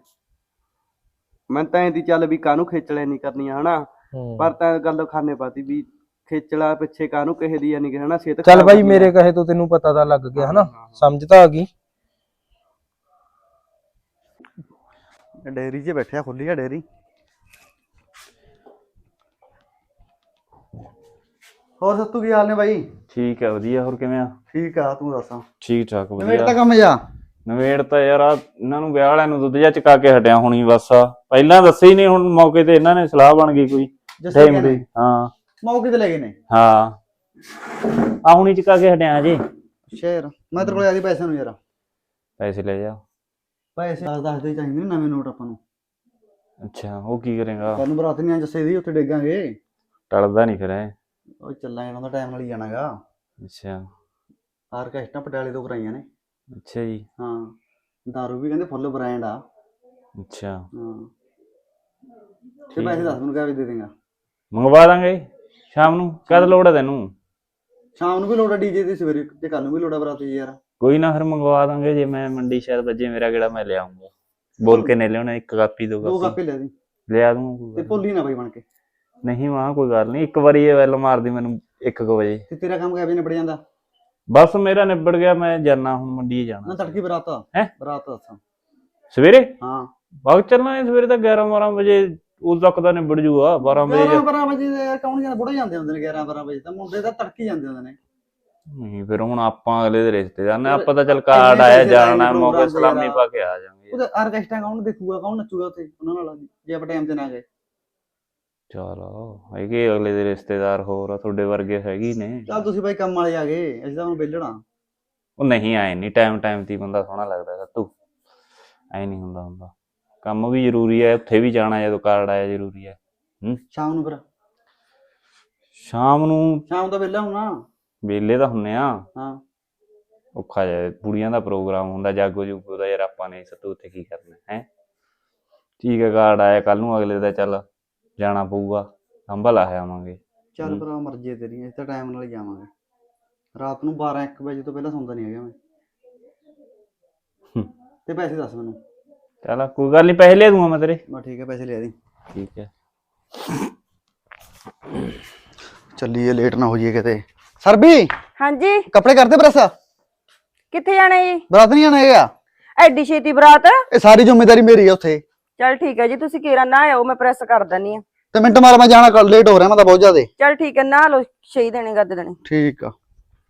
[SPEAKER 3] ਮੈਂ ਤਾਂ ਇਹਦੀ ਚੱਲ ਵੀ ਕਾਹਨੂੰ ਖੇਚਲੇ ਨਹੀਂ ਕਰਨੀਆਂ ਹਨਾ ਪਰ ਤਾਂ ਗੱਲ ਖਾਨੇ ਪਾਤੀ ਵੀ ਖੇਚਲਾ ਪਿੱਛੇ ਕਾਹਨੂੰ ਕਿਸੇ ਦੀ ਨਹੀਂ ਹਨਾ ਸਿਹਤ
[SPEAKER 4] ਚੱਲ ਬਾਈ ਮੇਰੇ ਕਹੇ ਤੋਂ ਤੈਨੂੰ ਪਤਾ ਤਾਂ ਲੱਗ ਗਿਆ ਹਨਾ ਸਮਝ ਤਾਂ ਆ ਗਈ
[SPEAKER 3] ਡੇਅਰੀ 'ਚ ਬੈਠਿਆ ਖੁੱਲੀ ਆ ਡੇਅਰੀ ਹੋਰ ਸੱਤੂ ਕੀ ਹਾਲ ਨੇ ਬਾਈ
[SPEAKER 5] ਠੀਕ ਹੈ ਵਧੀਆ ਹੋਰ ਕਿਵੇਂ ਆ
[SPEAKER 3] ਠੀਕ ਆ ਤੂੰ ਦੱਸਾਂ
[SPEAKER 5] ਠੀਕ ਠਾਕ ਵਧੀਆ
[SPEAKER 3] ਨਵੇੜ ਤਾਂ ਕੰਮ ਜਾ
[SPEAKER 5] ਨਵੇੜ ਤਾਂ ਯਾਰ ਇਹਨਾਂ ਨੂੰ ਵਿਆਹ ਵਾਲਿਆਂ ਨੂੰ ਦੁੱਧ ਜਾ ਚਕਾ ਕੇ ਹਟਿਆ ਹੁਣੀ ਬਸ ਪਹਿਲਾਂ ਦੱਸੇ ਹੀ ਨਹੀਂ ਹੁਣ ਮੌਕੇ ਤੇ ਇਹਨਾਂ ਨੇ ਸਲਾਹ ਬਣ ਗਈ ਕੋਈ ਟਾਈਮ ਦੀ ਹਾਂ
[SPEAKER 3] ਮੌਕੇ ਤੇ ਲੈ ਗਏ ਨੇ
[SPEAKER 5] ਹਾਂ ਆ ਹੁਣੀ ਚਕਾ ਕੇ ਹਟਿਆ ਜੀ
[SPEAKER 3] ਸ਼ੇਰ ਮੈਂ ਤੇਰੇ ਕੋਲ ਆਦੀ ਪੈਸੇ ਨੂੰ ਯਾਰ
[SPEAKER 5] ਪੈਸੇ ਲੈ ਜਾ
[SPEAKER 3] ਪੈਸੇ ਦੱਸ ਦੇ ਚਾਹੀਦੇ ਨੇ ਨਵੇਂ ਨੋਟ ਆਪਾਂ ਨੂੰ
[SPEAKER 5] ਅੱਛਾ ਉਹ ਕੀ ਕਰੇਗਾ
[SPEAKER 3] ਤੁਹਾਨੂੰ ਬਰਾਤ ਨਹੀਂ ਜੱਸੇ ਦੀ ਉੱਥੇ ਡੇਗਾਂਗੇ
[SPEAKER 5] ਟਲਦਾ ਨਹੀਂ ਫਿਰ ਐ
[SPEAKER 3] ਉਹ ਚੱਲਾਂ ਇਹਨਾਂ ਦਾ ਟਾਈਮ ਨਾਲ ਹੀ ਜਾਣਾਗਾ
[SPEAKER 5] ਅੱਛਾ
[SPEAKER 3] ਆਰਕੈਸਟਰਾ ਪਟਿਆਲੇ ਤੋਂ ਕਰਾਈਆਂ ਨੇ
[SPEAKER 5] ਅੱਛਾ ਜੀ
[SPEAKER 3] ਹਾਂ ਦਾਰੂ ਵੀ ਕਹਿੰਦੇ ਫੁੱਲ ਬ੍ਰਾਂਡ ਆ
[SPEAKER 5] ਅੱਛਾ
[SPEAKER 3] ਹਾਂ ਤੇ ਪੈਸੇ ਦੱਸ ਮੈਨੂੰ ਕਿਵੇਂ ਦੇ ਦੇਗਾ
[SPEAKER 5] ਮੰਗਵਾ ਦਾਂਗੇ ਸ਼ਾਮ ਨੂੰ ਕਦ ਲੋੜ ਹੈ ਤੈਨੂੰ
[SPEAKER 3] ਸ਼ਾਮ ਨੂੰ ਵੀ ਲੋੜ ਆ ਡੀਜੇ ਦੀ ਸਵੇਰੇ ਤੇ ਕੱਲ ਨੂੰ ਵੀ ਲੋੜ ਆ ਬਰਾਤ ਯਾਰ
[SPEAKER 5] ਕੋਈ ਨਾ ਫਿਰ ਮੰਗਵਾ ਦਾਂਗੇ ਜੇ ਮੈਂ ਮੰਡੀ ਸ਼ਾਇਦ ਵੱਜੇ ਮੇਰਾ ਕਿਹੜਾ ਮੈਂ ਲਿਆਉਂਗਾ ਬੋਲ ਕੇ ਨੇ ਲਿਆਉਣਾ 1 ਕਾਪੀ 2
[SPEAKER 3] ਕਾਪੀ ਲੈ ਦੀ
[SPEAKER 5] ਲਿਆ ਦੂੰ
[SPEAKER 3] ਤੇ ਭੁੱਲੀ ਨਾ ਬਾਈ ਬਣ ਕੇ
[SPEAKER 5] ਨਹੀਂ ਮਾਂ ਕੋਈ ਗੱਲ ਨਹੀਂ ਇੱਕ ਵਾਰੀ ਇਹ ਵੈਲ ਮਾਰਦੀ ਮੈਨੂੰ 1 ਵਜੇ
[SPEAKER 3] ਤੇ ਤੇਰਾ ਕੰਮ ਕਿਵੇਂ ਨਿਬੜ ਜਾਂਦਾ
[SPEAKER 5] ਬਸ ਮੇਰਾ ਨਿਬੜ ਗਿਆ ਮੈਂ ਜਾਣਾ ਹੁਣ ਮੰਡੀ ਜਾਣਾ
[SPEAKER 3] ਨਾ ਤੜਕੀ ਬਰਾਤ
[SPEAKER 5] ਹੈ
[SPEAKER 3] ਬਰਾਤ ਦੱਸਾਂ
[SPEAKER 5] ਸਵੇਰੇ
[SPEAKER 3] ਹਾਂ
[SPEAKER 5] ਵਕਤ ਚੱਲਣਾ ਹੈ ਸਵੇਰੇ ਤਾਂ 11-12 ਵਜੇ ਉਸ ਤੱਕ ਤਾਂ ਨਿਬੜ ਜੂਗਾ 12 ਵਜੇ
[SPEAKER 3] 12 ਵਜੇ ਕੌਣ ਜਾਂਦਾ ਬੁੜੇ ਜਾਂਦੇ ਹੁੰਦੇ ਨੇ 11-12 ਵਜੇ ਤਾਂ ਮੁੰਡੇ ਤਾਂ ਤੜਕੀ ਜਾਂਦੇ ਹੁੰਦੇ ਨੇ
[SPEAKER 5] ਨਹੀਂ ਫਿਰ ਹੁਣ ਆਪਾਂ ਅਗਲੇ ਦੇ ਰਿਸ਼ਤੇਦਾਰ ਨੇ ਆਪਾਂ ਤਾਂ ਚੱਲ ਕਾਰਡ ਆਇਆ ਜਾਣਾ ਮੌਕੇ ਸਲਾਮੀ ਪਾ ਕੇ ਆ ਜਾਵਾਂਗੇ
[SPEAKER 3] ਉਹਦੇ ਆਰਕੈਸਟਰਾ ਕੌਣ ਦੇਖੂਗਾ ਕੌਣ ਨੱਚੂਗਾ ਉੱਥੇ ਉਹਨਾਂ ਨਾਲ ਜੇ ਆਪਾਂ ਟਾਈਮ ਤੇ ਨਾ ਗਏ
[SPEAKER 5] ਚਲੋ ਹੈਗੇ ਅਗਲੇ ਦੇ ਰਿਸ਼ਤੇਦਾਰ ਹੋਰ ਆ ਤੁਹਾਡੇ ਵਰਗੇ ਹੈਗੀ ਨੇ
[SPEAKER 3] ਚੱਲ ਤੁਸੀਂ ਬਾਈ ਕੰਮ ਵਾਲੇ ਆ ਗਏ ਅਸੀਂ ਤਾਂ ਹੁਣ ਵਿਹਲਣਾ
[SPEAKER 5] ਉਹ ਨਹੀਂ ਆਏ ਨਹੀਂ ਟਾਈਮ ਤੇ ਬੰਦਾ ਸੋਹਣਾ ਲੱਗਦਾ ਤੂੰ ਐ ਨਹੀਂ ਹੁੰਦਾ ਕੰਮ ਵੀ ਜ਼ਰੂਰੀ ਹੈ ਉੱਥੇ ਵੀ ਜਾਣਾ ਜਦੋਂ ਕਾਰਡ ਆਇਆ ਜ਼ਰੂਰੀ ਹੈ
[SPEAKER 3] ਸ਼ਾਮ ਨੂੰ ਫਿਰ
[SPEAKER 5] ਸ਼ਾਮ ਨੂੰ
[SPEAKER 3] ਸ਼ਾਮ ਦਾ ਵਿਹਲਾ ਹੋਣਾ
[SPEAKER 5] ਵੇਲੇ ਤਾਂ ਹੁੰਨੇ ਆ।
[SPEAKER 3] ਹਾਂ
[SPEAKER 5] ਔਖਾ ਜਿਹਾ ਕੁੜੀਆਂ ਦਾ ਪ੍ਰੋਗਰਾਮ ਹੁੰਦਾ, ਜਾਗੋ ਜੂਗੋ ਦਾ, ਯਾਰ ਆਪਾਂ ਨੇ ਸੱਤੂ ਉੱਥੇ ਕੀ ਕਰਨਾ ਹੈ। ਠੀਕ ਹੈ, ਕਾਰਡ ਆਇਆ ਕੱਲ ਨੂੰ, ਅਗਲੇ ਦਾ ਚੱਲ ਜਾਣਾ ਪਊਗਾ, ਸੰਭਲ ਆਵਾਂਗੇ।
[SPEAKER 3] ਚੱਲ ਭਰਾ ਮਰਜ਼ੀ ਤੇਰੀ, ਅਸੀਂ ਤਾਂ ਟਾਈਮ ਨਾਲ ਹੀ ਜਾਵਾਂਗੇ। ਰਾਤ ਨੂੰ 12-1 ਵਜੇ ਤੋਂ ਪਹਿਲਾਂ ਸੌਂਦਾ ਨਹੀਂ ਹੈਗਾ ਮੈਂ। ਤੇ ਪੈਸੇ ਦੱਸ ਮੈਨੂੰ।
[SPEAKER 5] ਚੱਲ ਕੋਈ ਗੱਲ ਨਹੀਂ, ਪੈਸੇ ਲੈ ਦੂੰਗਾ ਮੈਂ ਤੇਰੇ।
[SPEAKER 3] ਬਸ ਠੀਕ ਹੈ, ਪੈਸੇ ਲਿਆ ਦੀ।
[SPEAKER 5] ਠੀਕ ਹੈ,
[SPEAKER 3] ਚੱਲੀਏ, ਲੇਟ ਨਾ ਹੋ ਜਾਈਏ ਕਿਤੇ। ਸਰਬੀ
[SPEAKER 2] ਹਾਂਜੀ,
[SPEAKER 3] ਕੱਪੜੇ ਕਰਦੇ ਪ੍ਰੈਸ।
[SPEAKER 2] ਕਿੱਥੇ ਜਾਣਾ ਜੀ?
[SPEAKER 3] ਬਰਾਤ ਨਹੀਂ ਆਣਾ ਹੈਗਾ।
[SPEAKER 2] ਐਡੀ ਛੇਤੀ ਬਰਾਤ?
[SPEAKER 3] ਇਹ ਸਾਰੀ ਜ਼ਿੰਮੇਵਾਰੀ ਮੇਰੀ ਆ ਉੱਥੇ।
[SPEAKER 2] ਚਲ ਠੀਕ ਹੈ ਜੀ, ਤੁਸੀਂ ਕੇਰਾ ਨਾ ਆਇਓ, ਮੈਂ ਪ੍ਰੈਸ ਕਰ ਦਿੰਨੀ ਆ।
[SPEAKER 3] ਤੇ ਮਿੰਟ ਮਾਰ, ਮੈਂ ਜਾਣਾ, ਕੱਲ ਲੇਟ ਹੋ ਰਿਹਾ ਮੈਂ ਤਾਂ ਬਹੁਤ ਜ਼ਿਆਦਾ।
[SPEAKER 2] ਚਲ ਠੀਕ ਹੈ, ਨਾ ਲਓ, ਛੇ ਦੇਣੇ ਗੱਦ ਦੇਣੇ।
[SPEAKER 3] ਠੀਕ ਆ।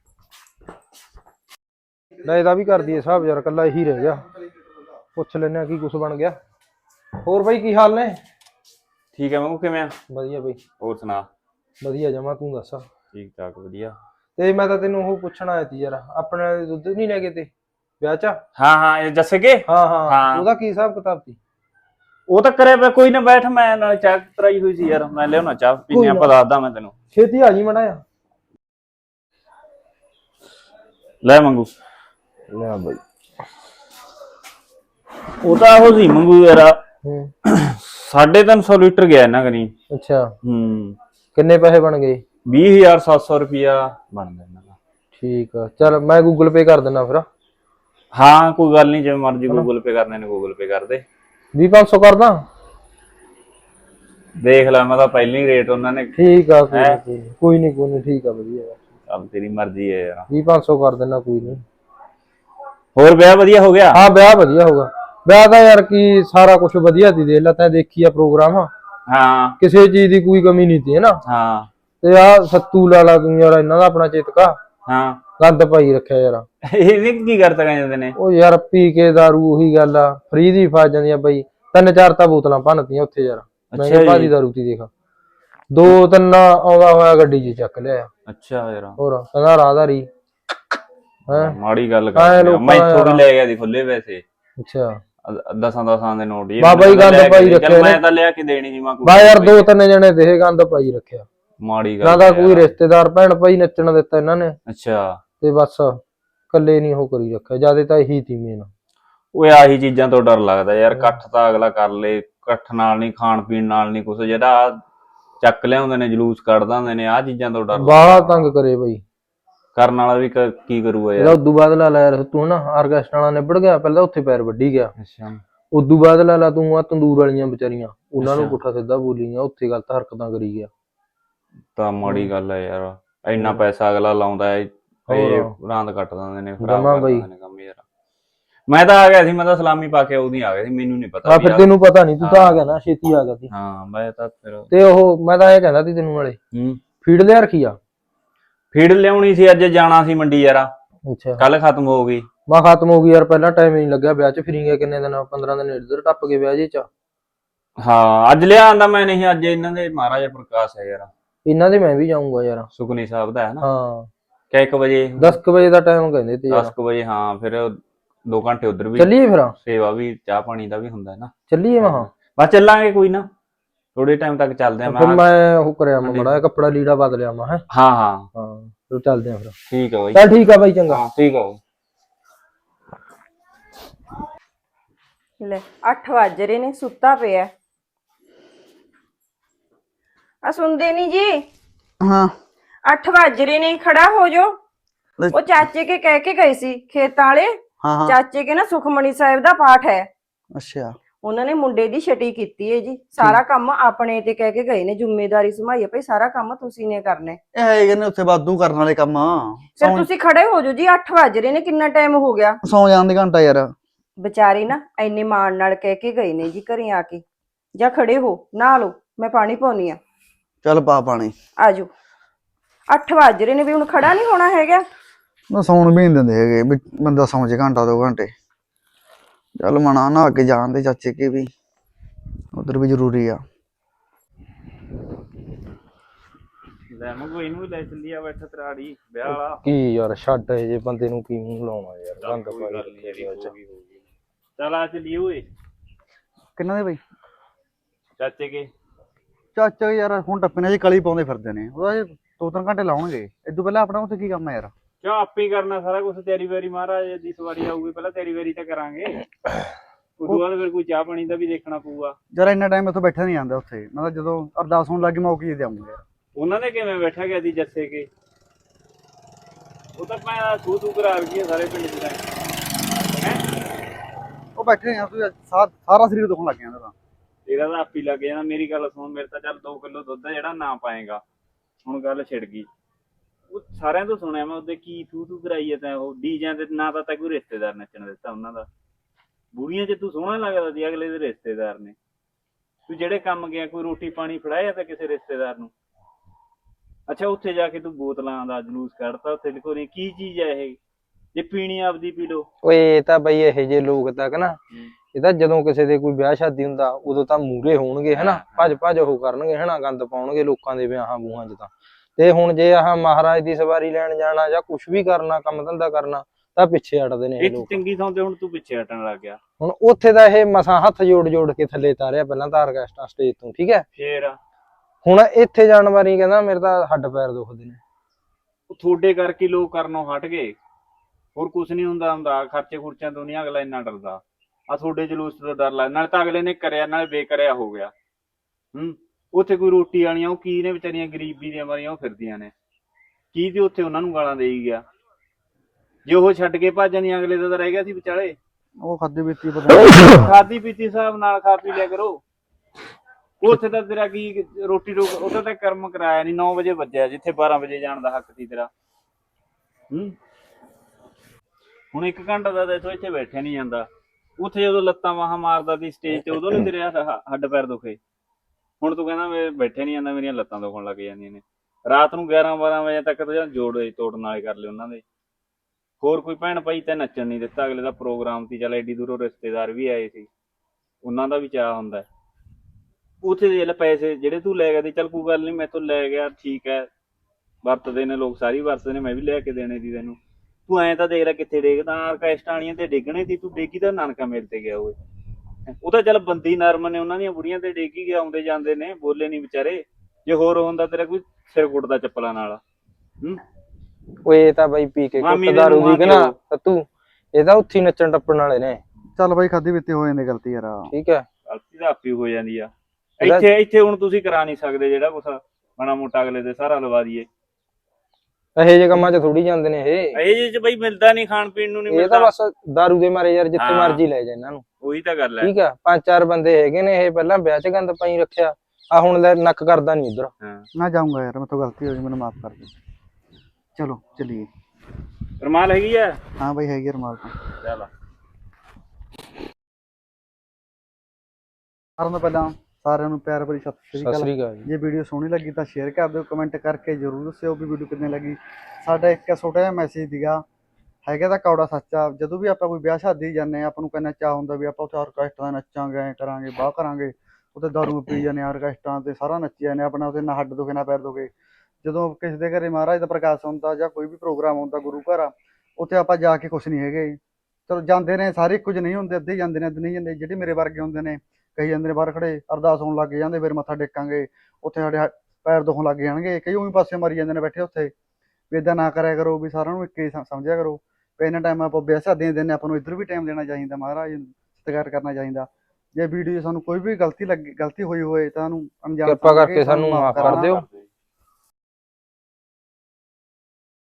[SPEAKER 4] ਲੈ ਇਹਦਾ ਵੀ ਕਰ ਦਈਏ ਹਿਸਾਬ ਯਾਰ, ਕੱਲਾ ਇਹੀ ਰਹਿ ਗਿਆ। ਪੁੱਛ ਲੈਨੇ ਆ ਕੀ ਕੁਛ ਬਣ ਗਿਆ। ਹੋਰ ਬਾਈ ਕੀ ਹਾਲ ਨੇ?
[SPEAKER 5] ਠੀਕ ਹੈ ਮੰਗੂ, ਕਿਵੇਂ ਆ?
[SPEAKER 4] ਵਧੀਆ ਬਾਈ।
[SPEAKER 5] ਹੋਰ ਸੁਣਾ?
[SPEAKER 4] ਵਧੀਆ ਜਮਾ, ਤੂੰ ਦੱਸ?
[SPEAKER 5] ਠੀਕ ਠਾਕ, ਵਧੀਆ।
[SPEAKER 4] ਤੇ ਮੈਂ ਤਾਂ ਤੈਨੂੰ ਉਹ ਪੁੱਛਣ ਆਇਆ ਸੀ ਯਾਰ, ਆਪਣੇ ਦੁੱਧ ਨਹੀਂ ਲੈ ਗਏ ਤੇ ਵਿਆਹ ਚ?
[SPEAKER 5] ਹਾਂ ਇਹ ਦੱਸੇ ਕੇ?
[SPEAKER 4] ਹਾਂ, ਉਹਦਾ ਕੀ ਹਿਸਾਬ ਕਿਤਾਬ ਸੀ?
[SPEAKER 5] ਉਹ ਤਾਂ ਕਰਿਆ ਪਿਆ, ਕੋਈ ਨਾ ਬੈਠ, ਮੈਂ ਨਾਲ ਚਾਹ ਤਰਾਈ ਹੋਈ ਸੀ ਯਾਰ, ਮੈਂ ਲਿਆਉਣਾ ਚਾਹ ਪੀਨੇ, ਆਪਾਂ ਦੱਸਦਾ ਮੈਂ ਤੈਨੂੰ।
[SPEAKER 4] ਛੇਤੀ ਆ ਜੀ ਮੜਾ ਆ।
[SPEAKER 5] ਲੈ ਮੰਗੂ।
[SPEAKER 4] ਲੈ ਬਾਈ।
[SPEAKER 5] ਉਹ ਤਾਂ ਉਹ ਸੀ ਮੰਗੂ ਯਾਰ, 350 ਲੀਟਰ ਗਿਆ ਇਹਨਾਂ ਕਰੀ।
[SPEAKER 4] ਅੱਛਾ। ਕਿੰਨੇ ਪੈਸੇ ਬਣ ਗਏ?
[SPEAKER 5] 20,700 ਰੁਪਿਆ ਬਣਦਾ ਇਹਨਾਂ ਦਾ।
[SPEAKER 4] ਠੀਕ ਆ, ਚਲ ਮੈਂ ਗੂਗਲ ਪੇ ਕਰ ਦਿੰਦਾ ਫਿਰ।
[SPEAKER 5] ਹਾਂ ਕੋਈ ਗੱਲ ਨਹੀਂ, ਜਿਵੇਂ ਮਰਜ਼ੀ ਗੂਗਲ ਪੇ ਕਰਨੇ ਨੇ ਗੂਗਲ ਪੇ ਕਰ ਦੇ।
[SPEAKER 4] 20-500 ਕਰਦਾ।
[SPEAKER 5] ਦੇਖ ਲੈ, ਮੈਂ ਤਾਂ ਪਹਿਲਾਂ ਹੀ ਰੇਟ ਉਹਨਾਂ ਨੇ।
[SPEAKER 4] ਠੀਕ ਆ, ਕੋਈ ਨਹੀਂ ਠੀਕ ਆ, ਵਧੀਆ।
[SPEAKER 5] ਚੱਲ ਤੇਰੀ ਮਰਜ਼ੀ ਹੈ ਯਾਰ।
[SPEAKER 4] 20-500 ਕਰ ਦਿੰਦਾ, ਕੋਈ ਨਹੀਂ।
[SPEAKER 5] ਹੋਰ ਵਿਆਹ ਵਧੀਆ ਹੋ ਗਿਆ?
[SPEAKER 4] ਹਾਂ ਵਿਆਹ ਵਧੀਆ ਹੋਗਾ। ਵਿਆਹ ਤਾਂ ਯਾਰ ਕੀ ਸਾਰਾ ਕੁਝ ਵਧੀਆ ਸੀ, ਦੇਖ ਲੈ ਤੈਂ ਦੇਖੀ ਆ ਪ੍ਰੋਗਰਾਮ।
[SPEAKER 5] ਹਾਂ,
[SPEAKER 4] ਕਿਸੇ ਚੀਜ਼ ਦੀ ਕੋਈ ਕਮੀ ਨਹੀਂ ਸੀ, ਹੈ ਨਾ?
[SPEAKER 5] ਹਾਂ।
[SPEAKER 4] ਤੇ ਆ ਸੱਤੂ ਲਾਲਾ ਤੂੰ ਯਾਰ, ਇਹਨਾਂ ਦਾ ਆਪਣਾ ਚੇਤਕਾ
[SPEAKER 5] ਹਾਂ,
[SPEAKER 4] ਗੰਦ ਪਾਈ ਰੱਖਿਆ ਯਾਰ।
[SPEAKER 5] ਇਹ ਵੀ ਕੀ ਕਰਤਾ ਜਾਂਦੇ ਨੇ
[SPEAKER 4] ਉਹ ਯਾਰ ਪੀ ਕੇ ਦਾਰੂ, ਉਹੀ ਗੱਲ ਆ, ਫਰੀ ਦੀ ਫਸ ਜਾਂਦੀਆਂ ਬਈ। 3-4 ਤਾਂ ਬੋਤਲਾਂ ਭੰਨਤੀਆਂ ਉੱਥੇ ਯਾਰ। ਮੈਂ ਭਾਜੀ ਦਾਰੂ ਤੀ ਦੇਖ, 2-3 ਆਉਂਦਾ ਹੋਇਆ ਗੱਡੀ 'ਚ ਚੱਕ ਲਿਆ। ਅੱਛਾ ਯਾਰ। ਹੋਰ ਕਹਿੰਦਾ ਰਾਹਦਾਰੀ ਹੈ, ਮਾੜੀ ਗੱਲ ਕਰ। ਮੈਂ ਥੋੜੀ ਲੈ ਗਿਆ ਸੀ ਖੁੱਲੇ ਪੈਸੇ। ਅੱਛਾ, 10 ਦੇ ਨੋਟ। ਬਾਬਾ ਹੀ ਗੰਦ ਪਾਈ ਰੱਖਿਆ। ਮੈਂ ਤਾਂ ਲਿਆ ਕੇ ਦੇਣੀ ਸੀ, ਮੈਂ ਬਾ ਯਾਰ 2-3 ਜਣੇ ਦੇ ਗੰਦ ਪਾਈ ਰੱਖਿਆ। ਮਾੜੀ ਗੱਲ। ਨਾ ਤਾਂ ਕੋਈ ਰਿਸ਼ਤੇਦਾਰ ਭੈਣ ਭਾਈ ਨੱਚਣ ਦਿੱਤਾ ਇਹਨਾਂ ਨੇ। ਅੱਛਾ। ਤੇ ਬਸ ਕੱਲੇ ਨਹੀਂ ਉਹ ਕਰੀ ਰੱਖਿਆ, ਜਿਆਦਾ ਤਾਂ ਇਹੀ ਤੀ ਮੇਨ। ਓਏ ਆਹੀ ਚੀਜ਼ਾਂ ਤੋਂ ਡਰ ਲੱਗਦਾ ਯਾਰ, ਇਕੱਠ ਤਾਂ ਅਗਲਾ ਕਰ ਲੇ, ਇਕੱਠ ਨਾਲ ਨਹੀਂ, ਖਾਣ ਪੀਣ ਨਾਲ ਨਹੀਂ ਕੁਛ, ਜਿਹੜਾ ਚੱਕ ਲਿਆਉਂਦੇ ਨੇ ਜਲੂਸ ਕੱਢ ਦਿੰਦੇ ਨੇ, ਆਹ ਚੀਜ਼ਾਂ ਤੋਂ ਡਰ ਬਾਹਲਾ ਤੰਗ ਕਰੇ ਬਈ। ਕਰਨ ਵਾਲਾ ਵੀ ਕੀ ਕਰੂਗਾ ਯਾਰ। ਉਦੋਂ ਬਾਅਦ ਲਾ ਲੈ ਯਾਰ ਤੂੰ, ਨਾ ਆਰਕੈਸਟ ਵਾਲਾ ਨਿਬੜ ਗਿਆ, ਪਹਿਲਾਂ ਉੱਥੇ ਪੈਰ ਵੱਢੀ ਗਿਆ। ਅੱਛਾ। ਉਦੋਂ ਬਾਅਦ ਲਾ ਲਾ ਤੂੰ ਆ ਤੰਦੂਰ ਵਾਲੀਆਂ ਵਿਚਾਰੀਆਂ, ਉਹਨਾਂ ਨੂੰ ਪੁੱਠਾ ਸਿੱਧਾ ਬੋਲੀਆਂ, ਉੱਥੇ ਗਲਤ ਹਰਕਤਾਂ ਕਰੀ ਗਿਆ। ਤਾਂ ਮਾੜੀ ਗੱਲ ਹੈ ਯਾਰ, ਇੰਨਾ ਪੈਸਾ ਅਗਲਾ ਲਾਉਂਦਾ ਹੈ, ਰਾਂਦ ਕੱਟ ਦਿੰਦੇ ਨੇ, ਖਰਾਬ ਕਰ ਦਿੰਦੇ ਨੇ ਕੰਮ ਯਾਰ। ਮੈਂ ਤਾਂ ਆ ਗਿਆ ਸੀ, ਮੈਂ ਤਾਂ ਸਲਾਮੀ ਪਾ ਕੇ ਉਹਦੀ ਆ ਗਿਆ ਸੀ, ਮੈਨੂੰ ਨਹੀਂ ਪਤਾ। ਫਿਰ ਤੈਨੂੰ ਪਤਾ ਨਹੀਂ, ਤੂੰ ਤਾਂ ਆ ਗਿਆ ਨਾ, ਛੇਤੀ ਆ ਗਿਆ ਸੀ। ਹਾਂ ਮੈਂ ਤਾਂ ਫਿਰ ਤੇ ਉਹ ਮੈਂ ਤਾਂ ਇਹ ਕਹਿੰਦਾ ਸੀ ਤੈਨੂੰ ਨਾਲੇ, ਫੀਡ ਲਿਆ ਰੱਖੀ ਆ? ਫੀਡ ਲਿਆਉਣੀ ਸੀ, ਅੱਜ ਜਾਣਾ ਸੀ ਮੰਡੀ ਯਾਰ। ਅੱਛਾ। ਕੱਲ ਖਤਮ ਹੋ ਗਈ। ਮੈਂ ਖਤਮ ਹੋ ਗਈ ਯਾਰ, ਪਹਿਲਾਂ ਟਾਈਮ ਹੀ ਨਹੀਂ ਲੱਗਿਆ ਵਿਆਹ ਚ। ਫਿਰੀ ਗਏ ਕਿੰਨੇ ਦਿਨ, 15 ਦਿਨ ਇੱਧਰ ਟੱਪ ਗਏ ਵਿਆਹ ਜੇ ਚ। ਹਾਂ ਅੱਜ ਲਿਆ ਆਂਦਾ ਮੈਂ, ਨਹੀਂ ਅੱਜ ਇਹਨਾਂ ਦੇ ਮਹਾਰਾਜਾ ਪ੍ਰਕਾਸ਼ ਹੈ ਯਾਰ। ਇਹਨਾਂ ਦੇ ਮੈਂ ਵੀ ਜਾਊਂਗਾ ਯਾਰ, ਸੁਖਨੀ ਸਾਹਿਬ ਦਾ ਹੈ ਨਾ। ਹਾਂ। ਕਿੰਨੇ 1 ਵਜੇ? 10 ਵਜੇ ਦਾ ਟਾਈਮ ਕਹਿੰਦੇ ਤੇ ਯਾਰ। 10 ਵਜੇ। ਹਾਂ ਫਿਰ 2 ਘੰਟੇ ਉਧਰ ਵੀ ਚੱਲੀਏ, ਫਿਰ ਸੇਵਾ ਵੀ, ਚਾਹ ਪਾਣੀ ਦਾ ਵੀ ਹੁੰਦਾ ਹੈ ਨਾ। ਚੱਲੀਏ ਮੈਂ। ਬਸ ਚੱਲਾਂਗੇ, ਕੋਈ ਨਾ, ਥੋੜੇ ਟਾਈਮ ਤੱਕ ਚੱਲਦੇ ਆ। ਮੈਂ ਉਹ ਕਰਿਆ, ਮੈਂ ਬੜਾ ਕੱਪੜਾ ਲੀੜਾ ਬਦਲਿਆ ਮੈਂ। ਹਾਂ ਹਾਂ ਹਾਂ, ਫਿਰ ਚੱਲਦੇ ਆ ਫਿਰ। ਠੀਕ ਆ ਬਾਈ। ਚੱਲ ਠੀਕ ਆ ਬਾਈ, ਚੰਗਾ। ਠੀਕ ਆ।
[SPEAKER 2] ਲੈ 8 ਵੱਜ ਰਹੇ ਨੇ, ਸੁੱਤਾ ਪਿਆ। ਆ ਸੁਣਦੇ ਨਹੀਂ ਜੀ? ਹਾਂ 8 ਵੱਜ ਰਹੇ ਨੇ, ਖੜਾ ਹੋ ਜਾਓ। ਉਹ ਚਾਚੇ ਕੇ ਕਹਿ ਕੇ ਗਏ ਸੀ ਖੇਤਾਂ ਵਾਲੇ। ਚਾਚੇ ਕੇ ਨਾ ਸੁਖਮਣੀ ਸਾਹਿਬ ਦਾ ਪਾਠ ਹੈ। ਅੱਛਾ। ਉਹਨਾਂ ਨੇ ਮੁੰਡੇ ਦੀ ਛਟੀ ਕੀਤੀ ਹੈ ਜੀ, ਸਾਰਾ ਕੰਮ ਆਪਣੇ ਤੇ ਕਹਿ ਕੇ ਗਏ ਨੇ, ਜ਼ਿੰਮੇਵਾਰੀ ਸੰਭਾਈ ਹੈ ਭਾਈ, ਸਾਰਾ ਕੰਮ ਤੁਸੀਂ ਨੇ ਕਰਨਾ। ਇਹ ਹੈਗੇ ਨੇ ਉੱਥੇ ਵਾਧੂ ਕਰਨ ਵਾਲੇ ਕੰਮ। ਫਿਰ ਤੁਸੀਂ ਖੜੇ ਹੋ ਜਾਓ ਜੀ, 8 ਵੱਜ ਰਹੇ ਨੇ, ਕਿੰਨਾ ਟਾਈਮ ਹੋ ਗਿਆ? ਸੌ ਜਾਣ ਦੀ ਘੰਟਾ ਯਾਰ। ਵਿਚਾਰੇ ਨਾ ਇੰਨੇ ਮਾਣ ਨਾਲ ਕਹਿ ਕੇ ਗਏ ਨੇ ਜੀ, ਘਰੇ ਆ ਕੇ। ਜਾਂ ਖੜੇ ਹੋ, ਨਹਾ ਲਓ, ਮੈਂ ਪਾਣੀ ਪਾਉਣੀ ਆ। ਚੱਲ ਪਾ ਪਾਣੀ। ਆਜੋ। 8 ਵੱਜ ਰਹੇ ਨੇ ਵੀ, ਹੁਣ ਖੜਾ ਨਹੀਂ ਹੋਣਾ ਹੈਗਾ। ਨਾ ਸੌਣ ਵੀ ਨਹੀਂ ਦਿੰਦੇ ਹੈਗੇ, ਬੰਦਾ ਸੌਂ ਜੇ ਘੰਟਾ 2 ਘੰਟੇ। ਚੱਲ ਮਨਾ ਨਹਾ ਕੇ ਜਾਣ ਦੇ ਚਾਚੇ ਕੇ ਵੀ, ਉਧਰ ਵੀ ਜ਼ਰੂਰੀ ਆ। ਲੈ ਮੈਂ ਕੋਈ ਨੂੰ ਲੈ ਚੱਲੀ ਆ, ਬੈਠਾ ਤਰਾੜੀ ਵਿਆਹ ਵਾਲਾ। ਕੀ ਯਾਰ ਛੱਡ ਇਹ ਜੇ ਬੰਦੇ ਨੂੰ, ਕੀ ਮੂੰਹ ਲਾਉਣਾ ਯਾਰ, ਗੰਦ ਪਾ ਕੇ। ਚੱਲ ਆ ਚੱਲੀਏ ਓਏ। ਕਿੰਨਾ ਦੇ ਬਈ? ਚਾਚੇ ਕੇ। ਚਾਚਾ ਯਾਰ ਹੁਣ ਟੱਪੇ ਨੇ ਜੀ, ਕਲੀ ਪਾਉਂਦੇ ਫਿਰਦੇ ਨੇ। ਉਹਦਾ
[SPEAKER 6] 2-3 ਘੰਟੇ ਲਾਉਣਗੇ। ਇਦੋਂ ਪਹਿਲਾਂ ਆਪਣਾ ਉੱਥੇ ਕੀ ਕੰਮ ਹੈ ਯਾਰ?
[SPEAKER 5] ਕਿਉਂ ਆਪੇ ਹੀ ਕਰਨਾ ਸਾਰਾ ਕੁਝ, ਤੇਰੀ ਵਾਰੀ ਮਹਾਰਾਜ ਦੀ ਸਵਾਰੀ ਆਊਗੀ, ਪਹਿਲਾਂ ਤੇਰੀ ਵਾਰੀ ਤਾਂ ਕਰਾਂਗੇ, ਉਦੋਂ ਬਾਅਦ ਫਿਰ ਕੋਈ ਚਾਹ ਪਾਣੀ ਦਾ ਵੀ ਦੇਖਣਾ ਪਊਗਾ।
[SPEAKER 6] ਯਾਰ ਇੰਨਾ ਟਾਈਮ ਉੱਥੇ ਬੈਠਾ ਨਹੀਂ ਜਾਂਦਾ ਉੱਥੇ, ਮੈਂ ਤਾਂ ਜਦੋਂ ਅਰਦਾਸ ਹੋਣ ਲੱਗੀ ਮੈਂ ਉਹ ਕੀ ਦੇਵਾਂਗਾ ਯਾਰ।
[SPEAKER 5] ਉਹਨਾਂ ਦੇ ਕਿਵੇਂ ਬੈਠਾ ਗਿਆ ਦੀ ਜੱਸੇ ਕੇ, ਉਹ ਤਾਂ ਮੈਂ ਤੂੰ ਕਰਾ ਰਹੀ ਹੈ ਸਾਰੇ ਪਿੰਡ ਚ ਤਾਂ
[SPEAKER 6] ਉਹ ਬੈਠੇ ਆ ਤੁਸੀਂ ਸਾਰਾ ਸਰੀਰ ਦੁਖਣ ਲੱਗ ਜਾਂਦਾ ਤਾਂ।
[SPEAKER 5] ਇਹਦਾ ਤਾਂ ਆਪੀ ਲੱਗ ਜਾਣਾ। ਮੇਰੀ ਗੱਲ ਸੁਣ, ਮੇਰੇ ਤਾਂ ਚੱਲ 2 ਕਿਲੋ ਦੁੱਧ ਆ ਜਿਹੜਾ ਨਾ ਪਾਏਗਾ, ਹੁਣ ਗੱਲ ਛਿੜ ਗਈ। ਉਹ ਸਾਰਿਆਂ ਤੋਂ ਸੁਣਿਆ ਮੈਂ ਉਹਦੇ ਕੀ ਤੂੰ ਕਰਾਈ ਹੈ, ਤਾਂ ਉਹ ਡੀਜਾਂ ਤੇ ਨਾ ਤਾਂ ਕੋਈ ਰਿਸ਼ਤੇਦਾਰ ਨੱਚਣ ਦਿੱਤਾ ਉਹਨਾਂ ਦਾ। ਬੁੜੀਆਂ 'ਚ ਤੂੰ ਸੋਹਣਾ ਲੱਗਦਾ ਸੀ, ਅਗਲੇ ਦੇ ਰਿਸ਼ਤੇਦਾਰ ਨੇ। ਤੂੰ ਜਿਹੜੇ ਕੰਮ ਗਿਆ ਕੋਈ ਰੋਟੀ ਪਾਣੀ ਫੜਾਇਆ ਤਾਂ ਕਿਸੇ ਰਿਸ਼ਤੇਦਾਰ ਨੂੰ? ਅੱਛਾ ਉੱਥੇ ਜਾ ਕੇ ਤੂੰ ਬੋਤਲਾਂ ਦਾ ਜਲੂਸ ਕੱਢਤਾ, ਉੱਥੇ ਲਿਖੋ ਨਹੀਂ ਕੀ ਚੀਜ਼ ਹੈ ਇਹ, ਜੇ ਪੀਣੀ ਆਪਦੀ ਪੀ ਲਓ।
[SPEAKER 4] ਓਏ ਇਹ ਤਾਂ ਬਈ ਇਹੋ ਜਿਹੇ ਲੋਕ ਤੱਕ ਨਾ, ਇਹ ਤਾਂ ਜਦੋਂ ਕਿਸੇ ਦੇ ਕੋਈ ਵਿਆਹ ਸ਼ਾਦੀ ਹੁੰਦਾ ਉਦੋਂ ਤਾਂ ਮੂਹਰੇ ਹੋਣਗੇ ਹਨਾ, ਭੱਜ ਉਹ ਕਰਨਗੇ ਹਨਾ, ਗੰਦ ਪਾਉਣਗੇ ਲੋਕਾਂ ਦੇ ਵਿਆਹਾਂ ਬੂਹਾਂ 'ਚ ਤਾਂ। ਤੇ ਹੁਣ ਜੇ ਆਹ ਮਹਾਰਾਜ ਦੀ ਸਵਾਰੀ ਲੈਣ ਜਾਣਾ ਜਾਂ ਕੁਛ ਵੀ ਕਰਨਾ, ਕੰਮ ਧੰਦਾ ਕਰਨਾ, ਤਾਂ ਪਿੱਛੇ ਹਟਦੇ ਨੇ ਇਹ ਲੋਕ।
[SPEAKER 5] ਚੰਗੀ ਥਾਂ ਤੇ ਹੁਣ ਤੂੰ ਪਿੱਛੇ ਹਟਣ ਲੱਗ ਗਿਆ।
[SPEAKER 4] ਹੁਣ ਉੱਥੇ ਤਾਂ ਇਹ ਮਸਾਂ ਹੱਥ ਜੋੜ ਕੇ ਥੱਲੇ ਤਾਰਿਆ ਪਹਿਲਾਂ ਤਾਂ ਆਰਕੈਸਟਰਾ ਸਟੇਜ ਤੋਂ, ਠੀਕ ਹੈ।
[SPEAKER 5] ਫੇਰ
[SPEAKER 4] ਹੁਣ ਇੱਥੇ ਜਾਣ ਵਾਰੀ ਕਹਿੰਦਾ ਮੇਰੇ ਤਾਂ ਹੱਡ ਪੈਰ ਦੁਖਦੇ ਨੇ।
[SPEAKER 5] ਉਹ ਤੁਹਾਡੇ ਕਰਕੇ ਲੋਕ ਕਰਨੋਂ ਹਟ ਗਏ, ਹੋਰ ਕੁਛ ਨਹੀਂ ਹੁੰਦਾ ਖਰਚੇ ਖੁਰਚਿਆਂ ਤੋਂ ਨਹੀਂ ਅਗਲਾ ਇੰਨਾ ਡਰਦਾ। ਆ ਤੁਹਾਡੇ ਜਲੂਸ ਤੋਂ ਡਰ ਲੱਗਦਾ, ਨਾਲੇ ਤਾਂ ਅਗਲੇ ਨੇ ਕਰਿਆ ਨਾਲੇ ਬੇਕਰਿਆ ਹੋ ਗਿਆ। ਉੱਥੇ ਕੋਈ ਰੋਟੀ ਵਾਲੀਆਂ ਉਹ ਕੀ ਨੇ ਵਿਚਾਰੀਆਂ ਗਰੀਬੀ ਦੀਆਂ ਮਾਰੀਆਂ ਉਹ ਫਿਰਦੀਆਂ ਨੇ, ਕੀ ਤੇ ਉੱਥੇ ਉਹਨਾਂ ਨੂੰ ਗਾਲਾਂ ਦੇਈ ਗਿਆ। ਜੇ ਉਹ ਛੱਡ ਕੇ ਭੱਜ ਜਾਂਦੀਆਂ ਅਗਲੇ ਦਾ ਤਾਂ ਰਹਿ ਗਿਆ ਸੀ ਵਿਚਾਲੇ।
[SPEAKER 6] ਉਹ ਖਾਦੀ ਪੀਤੀ ਪਤਾ
[SPEAKER 5] ਖਾਦੀ ਪੀਤੀ ਹਿਸਾਬ ਨਾਲ ਖਾ ਪੀ ਲਿਆ ਕਰੋ। ਉੱਥੇ ਤਾਂ ਤੇਰਾ ਕੀ ਰੋਟੀ ਉੱਥੇ ਤਾਂ ਕਰਮ ਕਰਾਇਆ ਨਹੀਂ, 9 ਵਜੇ ਵੱਜਿਆ ਜਿੱਥੇ 12 ਵਜੇ ਜਾਣ ਦਾ ਹੱਕ ਸੀ ਤੇਰਾ। ਹੁਣ 1 ਘੰਟਾ ਦਾ ਦੇਖੋ ਇੱਥੇ ਬੈਠਿਆ ਨਹੀਂ ਜਾਂਦਾ, ਉੱਥੇ ਜਦੋਂ ਲੱਤਾਂ ਵਾਹਾਂ ਮਾਰਦਾ ਸੀ ਸਟੇਜ ਤੇ ਉਦੋਂ ਨੀ ਤੇਰੇ ਹੱਡ ਪੈਰ ਦੁਖੇ। ਹੁਣ ਤੂੰ ਕਹਿੰਦਾ ਮੈਂ ਬੈਠਿਆ ਨਹੀਂ ਜਾਂਦਾ, ਮੇਰੀਆਂ ਲੱਤਾਂ ਦੁਖਣ ਲੱਗ ਜਾਂਦੀਆਂ ਨੇ। ਰਾਤ ਨੂੰ 11-12 ਵਜੇ ਤੱਕ ਤਾਂ ਜੋੜ ਤੋੜਨ ਵਾਲੇ ਕਰ ਲਏ ਉਹਨਾਂ ਦੇ। ਹੋਰ ਕੋਈ ਭੈਣ ਭਾਈ ਤਾਂ ਨੱਚਣ ਨਹੀਂ ਦਿੱਤਾ, ਅਗਲੇ ਦਾ ਪ੍ਰੋਗਰਾਮ ਸੀ, ਚੱਲ ਐਡੀ ਦੂਰੋਂ ਰਿਸ਼ਤੇਦਾਰ ਵੀ ਆਏ ਸੀ, ਉਹਨਾਂ ਦਾ ਵੀ ਚਾਅ ਹੁੰਦਾ। ਉੱਥੇ ਦੇ ਪੈਸੇ ਜਿਹੜੇ ਤੂੰ ਲੈ ਗਿਆ ਤੇ ਚੱਲ ਕੋਈ ਗੱਲ ਨਹੀਂ, ਮੈਂ ਤੋਂ ਲੈ ਗਿਆ ਠੀਕ ਹੈ, ਵਰਤਦੇ ਨੇ ਲੋਕ, ਸਾਰੀ ਵਰਤਦੇ ਨੇ, ਮੈਂ ਵੀ ਲੈ ਕੇ ਦੇਣੇ ਸੀ ਤੈਨੂੰ। ਤੂੰ ਐਂ ਤਾਂ ਦੇਖ ਲੈ ਕਿੱਥੇ ਡੇਗਦਾ, ਆਰਕੈਸਟਰਾ ਵਾਲੀਆਂ ਤੇ ਡਿੱਗਣੇ ਸੀ, ਤੂੰ ਡੇਗੀ ਤਾਂ ਨਾਨਕਾ ਮੇਲ ਤੇ ਗਿਆ ਹੋਏ। ਉਹ ਤਾਂ ਚੱਲ ਬੰਦੀ ਨਰਮ ਨੇ, ਉਹਨਾਂ ਦੀਆਂ ਬੁੜੀਆਂ ਤੇ ਡੇਗੀ ਗਿਆ, ਆਉਂਦੇ ਜਾਂਦੇ ਨੇ, ਬੋਲੇ ਨੀ ਵਿਚਾਰੇ। ਜੇ ਹੋਰ ਹੁੰਦਾ ਤੇਰਾ ਕੋਈ ਸਿਰ ਕੁੱਟਦਾ ਚੱਪਲਾਂ ਨਾਲ।
[SPEAKER 4] ਓਏ ਇਹ ਤਾਂ ਬਈ ਪੀ ਕੇ ਦਾਰੂ ਦੀ ਨਾ ਤੂੰ, ਇਹ ਤਾਂ ਉੱਥੇ ਨੱਚਣ ਟੱਪਣ ਵਾਲੇ ਨੇ।
[SPEAKER 6] ਚੱਲ ਬਾਈ ਖਾਦੀ ਪੀਤੀ ਹੋ ਜਾਂਦੀ ਗਲਤੀ ਯਾਰ,
[SPEAKER 4] ਠੀਕ ਹੈ,
[SPEAKER 5] ਗਲਤੀ ਤਾਂ ਆਪੀ ਹੋ ਜਾਂਦੀ ਆ। ਇੱਥੇ ਹੁਣ ਤੁਸੀਂ ਕਰਾ ਨਹੀਂ ਸਕਦੇ ਜਿਹੜਾ ਕੁਛ ਮਾੜਾ ਮੋਟਾ ਅਗਲੇ ਦੇ ਸਾਰਾ ਲਵਾ ਦਈਏ।
[SPEAKER 4] ਇਹੋ ਜਿਹੇ ਕੰਮਾਂ 'ਚ ਥੋੜੀ ਜਾਂਦੇ ਨੇ ਇਹ
[SPEAKER 5] ਜਿਹੇ 'ਚ ਬਈ ਮਿਲਦਾ ਨਹੀਂ, ਖਾਣ ਪੀਣ ਨੂੰ ਨਹੀਂ ਮਿਲਦਾ।
[SPEAKER 4] ਇਹ ਤਾਂ ਬਸ ਦਾਰੂ ਦੇ ਮਾਰੇ ਯਾਰ ਜਿੱਥੇ ਮਰਜੀ ਲੈ ਜਾ ਇਹਨਾਂ ਨੂੰ,
[SPEAKER 5] ਉਹੀ ਤਾਂ ਗੱਲ ਹੈ।
[SPEAKER 4] ਠੀਕ ਆ, 5-4 ਬੰਦੇ ਹੈਗੇ ਨੇ, ਇਹ ਪਹਿਲਾਂ ਵਿਆਹ 'ਚ ਗੰਦ ਪਾਈ ਰੱਖਿਆ, ਆ ਹੁਣ ਲੈ ਨੱਕ ਕਰਦਾ ਨੀ ਉਧਰ।
[SPEAKER 6] ਮੈਂ ਜਾਊਂਗਾ ਯਾਰ, ਮੇਰੇ ਤੋਂ ਗਲਤੀ ਹੋ ਗਈ, ਮੈਨੂੰ ਮਾਫ ਕਰ ਦੇ। ਚਲੋ ਚੱਲੀਏ।
[SPEAKER 5] ਰਮਾਲ ਹੈਗੀ ਆ?
[SPEAKER 6] ਹਾਂ ਬਾਈ ਹੈਗੀ ਰਮਾਲ ਤਾਂ।
[SPEAKER 5] ਚੱਲ
[SPEAKER 6] ਸਾਰਿਆਂ ਤੋਂ ਪਹਿਲਾਂ ਸਾਰਿਆਂ ਨੂੰ ਪਿਆਰ ਭਰੀ ਸਤਿ ਸ਼੍ਰੀ ਅਕਾਲ। ਜੇ ਵੀਡੀਓ ਸੋਹਣੀ ਲੱਗੀ ਤਾਂ ਸ਼ੇਅਰ ਕਰ ਦਿਓ, ਕਮੈਂਟ ਕਰਕੇ ਜ਼ਰੂਰ ਦੱਸਿਓ ਵੀ ਵੀਡੀਓ ਕਿੰਨੀ ਲੱਗੀ। ਸਾਡਾ ਇੱਕ ਛੋਟਾ ਜਿਹਾ ਮੈਸੇਜ ਦੀਗਾ, ਹੈਗਾ ਤਾਂ ਕੌੜਾ ਸੱਚਾ। ਜਦੋਂ ਵੀ ਆਪਾਂ ਕੋਈ ਵਿਆਹ ਸ਼ਾਦੀ ਜਾਂਦੇ ਹਾਂ, ਆਪਾਂ ਨੂੰ ਕਹਿੰਦਾ ਚਾਹ ਹੁੰਦਾ ਵੀ ਆਪਾਂ ਉੱਥੇ ਆਰਕੈਸਟਰਾ ਨੱਚਾਂਗੇ, ਐਂ ਕਰਾਂਗੇ, ਬਾਹ ਕਰਾਂਗੇ, ਉੱਥੇ ਦਾਰੂ ਪੀ ਜਾਂਦੇ ਆਰਕੈਸਟਰਾ ਤੇ ਸਾਰਾ ਨੱਚੀ ਜਾਂਦੇ, ਆਪਣਾ ਉੱਥੇ ਨਾ ਹੱਡ ਦੁਖੇ ਨਾ ਪੈਰ ਦੁਖੇ। ਜਦੋਂ ਕਿਸੇ ਦੇ ਘਰੇ ਮਹਾਰਾਜ ਦਾ ਪ੍ਰਕਾਸ਼ ਹੁੰਦਾ ਜਾਂ ਕੋਈ ਵੀ ਪ੍ਰੋਗਰਾਮ ਹੁੰਦਾ ਗੁਰੂ ਘਰ, ਉੱਥੇ ਆਪਾਂ ਜਾ ਕੇ ਕੁਛ ਨਹੀਂ ਹੈਗੇ। ਚਲੋ ਜਾਂਦੇ ਨੇ ਸਾਰੇ, ਕੁਝ ਨਹੀਂ ਹੁੰਦੇ, ਅੱਧੇ ਜਾਂਦੇ ਨੇ ਅੱਧੇ ਨਹੀਂ ਜਾਂਦੇ। ਜਿਹੜੇ ਮੇਰੇ ਵਰਗੇ ਹੁੰਦੇ ਨੇ ਕਈ ਜਾਂਦੇ ਨੇ ਬਾਹਰ ਖੜੇ, ਅਰਦਾਸ ਹੋਣ ਲੱਗ ਜਾਂਦੇ, ਫਿਰ ਮੱਥਾ ਟੇਕਾਂਗੇ, ਉੱਥੇ ਸਾਡੇ ਪੈਰ ਦੁਖਣ ਲੱਗ ਜਾਣਗੇ। ਕਈ ਉਹੀ ਪਾਸੇ ਮਾਰੀ ਜਾਂਦੇ ਨੇ ਬੈਠੇ ਉੱਥੇ। ਵੀ ਇੱਦਾਂ ਨਾ ਕਰਿਆ ਕਰੋ, ਵੀ ਸਾਰਿਆਂ ਨੂੰ ਇੱਕ ਹੀ ਸਮਝਿਆ ਕਰੋ। ਵੀ ਇੰਨਾ ਟਾਈਮ ਆਪਾਂ ਵਿਆਹ ਸ਼ਾਦੀਆਂ ਦਿੰਦੇ, ਆਪਾਂ ਨੂੰ ਇੱਧਰ ਵੀ ਟਾਈਮ ਦੇਣਾ ਚਾਹੀਦਾ, ਮਹਾਰਾਜ ਨੂੰ ਸਤਿਕਾਰ ਕਰਨਾ ਚਾਹੀਦਾ। ਜੇ ਵੀਡੀਓ ਸਾਨੂੰ ਕੋਈ ਵੀ ਗਲਤੀ ਹੋਈ ਹੋਏ ਤਾਂ ਉਹਨੂੰ ਅਣਜਾਣ
[SPEAKER 4] ਕਿਰਪਾ ਕਰਕੇ ਸਾਨੂੰ ਮਾਫ ਕਰ ਦਿਓ।